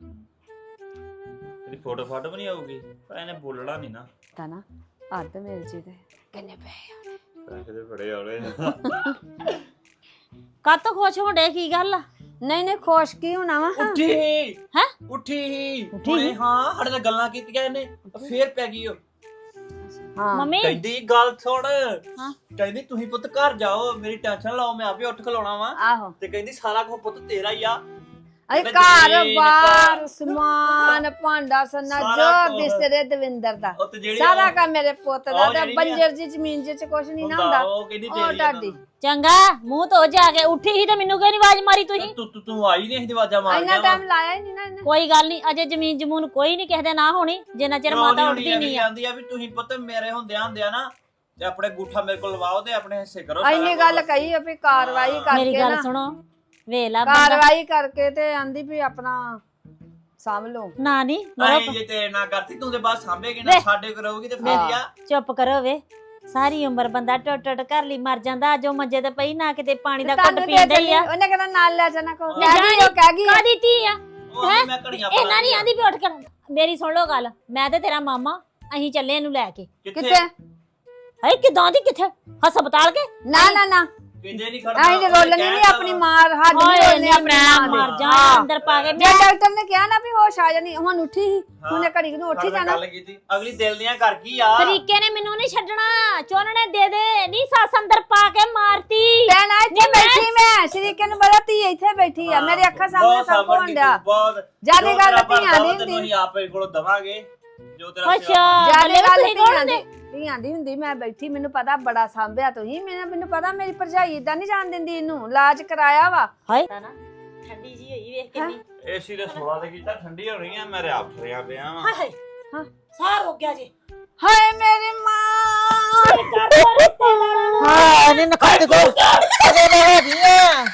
[SPEAKER 1] ਇਹਦੀ ਫੋਟੋ ਫਾਟੋ ਵੀ ਨਹੀਂ ਆਊਗੀ, ਪਰ ਇਹਨੇ ਬੋਲਣਾ ਨਹੀਂ ਨਾ।
[SPEAKER 2] ਤਾਂ ਨਾ ਅੱਧ ਮਿਲ ਜੇ ਤੇ ਕਿੰਨੇ ਪਏ?
[SPEAKER 1] ਪੈਸੇ ਦੇ ਬੜੇ ਆਉਣੇ।
[SPEAKER 3] ਕਾਤੋਂ ਖੁਸ਼ ਹੋਣ ਕੀ ਗੱਲ ਆ?
[SPEAKER 2] ਨਹੀਂ ਨਹੀਂ, ਖੁਸ਼ ਕੀ ਹੋਣਾ ਵਾ?
[SPEAKER 1] ਉੱਠੀ
[SPEAKER 3] ਹੈਂ?
[SPEAKER 1] ਉੱਠੀ ਹੁਣੇ, ਹਾਂ ਸਾਡੇ ਨਾਲ ਗੱਲਾਂ ਕੀਤੀਆਂ ਇਹਨੇ, ਫੇਰ ਪੈ ਗਈ ਉਹ।
[SPEAKER 2] ਹਾਂ
[SPEAKER 3] ਮੰਮੀ
[SPEAKER 1] ਕਹਿੰਦੀ ਗੱਲ ਸੁਣ,
[SPEAKER 3] ਹਾਂ।
[SPEAKER 1] ਕਹਿੰਦੀ ਤੁਸੀਂ ਪੁੱਤ ਘਰ ਜਾਓ, ਮੇਰੀ ਟੈਨਸ਼ਨ ਲਾਓ, ਮੈਂ ਆਪੇ ਉੱਠ ਖਲੋਣਾ ਵਾ।
[SPEAKER 2] ਆਹੋ,
[SPEAKER 1] ਤੇ ਕਹਿੰਦੀ ਸਾਰਾ ਕੁਝ ਪੁੱਤ ਤੇਰਾ ਹੀ ਆ।
[SPEAKER 2] ਅਰੇ ਘਰ ਬਾਰ ਸਮਾਨ ਭਾਂਡਾ ਸਨਾ
[SPEAKER 1] ਸਾਰਾ
[SPEAKER 2] ਜੋ
[SPEAKER 1] ਕੁਛ।
[SPEAKER 2] ਬਿਸਤਰੇ ਦਵਿੰਦਰ ਦਾ,
[SPEAKER 1] ਉਹ ਤੇ ਜਿਹੜੀ
[SPEAKER 2] ਸਾਰਾ ਕੰਮ ਮੇਰੇ ਪੁੱਤ ਦਾ।
[SPEAKER 1] ਉਹ
[SPEAKER 2] ਤੇ
[SPEAKER 1] ਜਿਹੜੀ
[SPEAKER 2] ਬੰਜਰ ਜੀ ਜ਼ਮੀਨ ਚ ਕੁਛ ਨਹੀਂ ਨਾ ਹੁੰਦਾ,
[SPEAKER 1] ਉਹ ਕਹਿੰਦੀ
[SPEAKER 2] ਉਹ
[SPEAKER 1] ਤੇਰੀ
[SPEAKER 2] ਤੁਹਾਡੀ।
[SPEAKER 3] ਚੰਗਾ ਮੂੰਹ ਧੋ ਜਾ ਕੇ ਉੱਠੀ ਸੀ ਤੇ ਮੈਨੂੰ ਕਿਉਂ ਨੀ ਆਵਾਜ਼ ਮਾਰੀ ਤੁਸੀਂ?
[SPEAKER 1] ਤੂੰ ਆਈ ਨਹੀਂ, ਦਰਵਾਜ਼ਾ ਮਾਰ
[SPEAKER 2] ਇੰਨਾ
[SPEAKER 1] ਗਿਆ
[SPEAKER 2] ਟਾਈਮ ਲਾਇਆ ਹੀ ਨਹੀਂ ਨਾ ਇਹਨੇ।
[SPEAKER 3] ਕੋਈ ਗੱਲ ਨਹੀਂ, ਅਜੇ ਜ਼ਮੀਨ ਜਮੂਨ ਕੋਈ ਨਹੀਂ ਕਿਸੇ ਦੇ ਨਾ ਹੋਣੀ ਜਿੰਨਾ ਚਿਰ ਮਾਤਾ ਉੱਠਦੀ ਨਹੀਂ ਆ।
[SPEAKER 1] ਜਾਂਦੀ ਆ ਵੀ ਤੁਸੀਂ ਪੁੱਤ ਮੇਰੇ ਹੁੰਦਿਆਂ ਨਾ ਤੇ ਆਪਣੇ ਗੂਠਾ ਮੇਰੇ ਕੋਲ ਲਵਾਓ ਤੇ ਆਪਣੇ ਹਿੱਸੇ ਕਰੋ।
[SPEAKER 2] ਇੰਨੀ ਗੱਲ ਕਹੀ ਆ ਵੀ ਕਾਰਵਾਈ
[SPEAKER 3] ਮੇਰੀ
[SPEAKER 2] ਕਰਕੇ
[SPEAKER 3] ਗੱਲ
[SPEAKER 2] ਨਾ,
[SPEAKER 3] ਸੁਣੋ, ਵੇਲਾ ਬੰਦਾ
[SPEAKER 2] ਕਾਰਵਾਈ ਕਰਕੇ ਤੇ ਆਂਦੀ ਵੀ ਆਪਣਾ ਸਾਂਭ ਲਓ।
[SPEAKER 3] ਨਾ ਨਹੀਂ
[SPEAKER 1] ਨਹੀਂ ਜੇ ਤੇਰੇ ਨਾਲ ਕਰਤੀ ਤੂੰ ਤੇ ਬਾਅਦ ਸਾਂਭੇਗੀ ਨਾ, ਸਾਡੇ ਕੋਲ ਰਹੂਗੀ ਤੇ ਫੇਰ ਹੀ ਆ।
[SPEAKER 3] ਚੁੱਪ ਕਰੋ ਵੇ, ਸਾਰੀ ਉਮਰ ਬੰਦਾ ਟੁੱਟ ਟੁੱਟ ਘਰ ਲਈ ਮਰ ਜਾਂਦਾ, ਜੋ ਮੰਜੇ ਤੇ ਪਈ ਨਾ ਕਿਤੇ ਪਾਣੀ ਦਾ ਘੁੱਟ
[SPEAKER 2] ਤੁਹਾਨੂੰ ਦੇ
[SPEAKER 3] ਪੀਂਦਾ ਹੀ
[SPEAKER 2] ਚੱਲੀ,
[SPEAKER 3] ਆ।
[SPEAKER 2] ਉਹਨੇ ਕਹਿੰਦਾ ਨਾਲ ਲੈ ਜਾਣਾ ਕੋ
[SPEAKER 3] ਲੈ ਜਾਣੀ,
[SPEAKER 2] ਕਹਿ ਗਈ
[SPEAKER 3] ਕਾਦੀ ਧੀ ਆ
[SPEAKER 1] ਉਹ ਆਂਦੀ ਮੈਂ ਘੜੀਆਂ ਪਾ
[SPEAKER 3] ਇਹਨਾਂ ਨਹੀਂ ਆਂਦੀ ਵੀ ਉੱਠ ਕੇ ਮੇਰੀ ਸੁਣ ਲਓ ਗੱਲ, ਮੈਂ ਤੇ ਤੇਰਾ ਮਾਮਾ ਅਸੀਂ ਚੱਲੇ ਇਹਨੂੰ ਲੈ ਕੇ।
[SPEAKER 2] ਕਿੱਥੇ
[SPEAKER 3] ਹਾਏ ਕਿਦਾਂ ਦੀ ਕਿੱਥੇ ਹਸਪਤਾਲ ਕੇ
[SPEAKER 2] ਨਾ ਨਾ ਨਾ
[SPEAKER 1] ਕਿੰਦੇ ਨਹੀਂ ਖੜਦਾ
[SPEAKER 2] ਆਈ ਤੇ ਰੋਲਣੀ ਨਹੀਂ ਆਪਣੀ ਮਾਂ ਹੱਡ ਨਹੀਂ
[SPEAKER 3] ਹਾਏ
[SPEAKER 2] ਰੋਲਣੇ
[SPEAKER 3] ਨਹੀਂ
[SPEAKER 2] ਆਪਣੀ
[SPEAKER 3] ਮੈਂ
[SPEAKER 2] ਮਾਂ
[SPEAKER 3] ਮਰ
[SPEAKER 2] ਦੇ।
[SPEAKER 3] ਜਾ
[SPEAKER 2] ਹਾਂ।
[SPEAKER 3] ਅੰਦਰ ਪਾ ਕੇ
[SPEAKER 2] ਜੇ ਡਾਕਟਰ ਨੇ ਕਿਹਾ ਨਾ ਵੀ ਹੋਸ਼ ਆ ਜਾਣੀ ਹੁਣ ਉੱਠੀ ਹੀ ਉਹਨੇ ਘੜੀ ਨੂੰ ਉੱਠੀ ਜਾਣਾ
[SPEAKER 1] ਗੱਲ ਕੀਤੀ ਅਗਲੀ ਦਿਲ ਦੀਆਂ ਕਰ ਗਈ ਆ
[SPEAKER 3] ਤਰੀਕੇ ਨੇ ਮੈਨੂੰ ਨਹੀਂ ਛੱਡਣਾ, ਚੋਨਣੇ ਦੇ ਦੇ ਨਹੀਂ ਸੱਸ ਅੰਦਰ ਪਾ ਕੇ ਮਾਰਤੀ।
[SPEAKER 2] ਭੈਣ ਆ ਇੱਥੇ ਬੈਠੀ ਮੈਂ ਸ਼ਰੀਕੇ ਨੂੰ ਬੜਾ ਧੀ ਇੱਥੇ ਬੈਠੀ ਆ ਮੇਰੇ ਅੱਖਾਂ ਸਾਹਮਣੇ ਸਭ ਕੁਝ ਹੁੰਦਾ
[SPEAKER 1] ਬਹੁਤ
[SPEAKER 2] ਜਿਆਦੀ ਗੱਲ ਧੀਆਂ ਦੀ
[SPEAKER 1] ਤੈਨੂੰ
[SPEAKER 2] ਹੁੰਦੀ
[SPEAKER 1] ਅਸੀਂ ਆਪੇ ਕੋਲੋਂ ਦਵਾਂਗੇ ਜੋ ਤੇਰਾ
[SPEAKER 3] ਅੱਛਾ
[SPEAKER 2] ਜਿਆਦੀ
[SPEAKER 3] ਬੱਲੇ
[SPEAKER 2] ਗੱਲ
[SPEAKER 3] ਤੁਸੀਂ ਕੌਣ
[SPEAKER 2] ਧੀਆਂ
[SPEAKER 3] ਹੁੰਦੇ?
[SPEAKER 2] ਦੀ ਧੀਆਂ ਦੀ ਹੁੰਦੀ ਮੈਂ ਬੈਠੀ ਮੈਨੂੰ ਪਤਾ ਬੜਾ ਸਾਂਭਿਆ ਤੁਸੀਂ ਮੈਨੂੰ ਪਤਾ ਮੇਰੀ ਭਰਜਾਈ ਇਦਾਂ ਨਹੀਂ ਜਾਣ ਦਿੰਦੀ ਇਹਨੂੰ ਇਲਾਜ ਕਰਾਇਆ ਵਾ
[SPEAKER 3] ਹਾਏ ਨਾ ਠੰਡੀ ਜੀ ਹੋਈ ਵੇਖ ਕਿੰਨੀ।
[SPEAKER 1] ਏਸੀ ਦੇ ਸੋਲਾ ਤੇ ਕੀਤਾ ਠੰਡੀ ਹੋ ਰਹੀ ਆ ਮੈਂ ਰਿਆਪ ਰਿਆ ਪਿਆ ਵਾਂ
[SPEAKER 3] ਹਾਏ
[SPEAKER 2] ਹਾਂ।
[SPEAKER 3] ਸਾਰ ਹੋ ਗਿਆ ਜੀ।
[SPEAKER 2] ਹਾਏ ਮੇਰੀ ਮਾਂ
[SPEAKER 3] ਹਾਂ
[SPEAKER 5] ਨੇ ਨਖਾਤੇ ਕੋ ਅਜੇ ਲੈ ਹੈਗੀਆਂ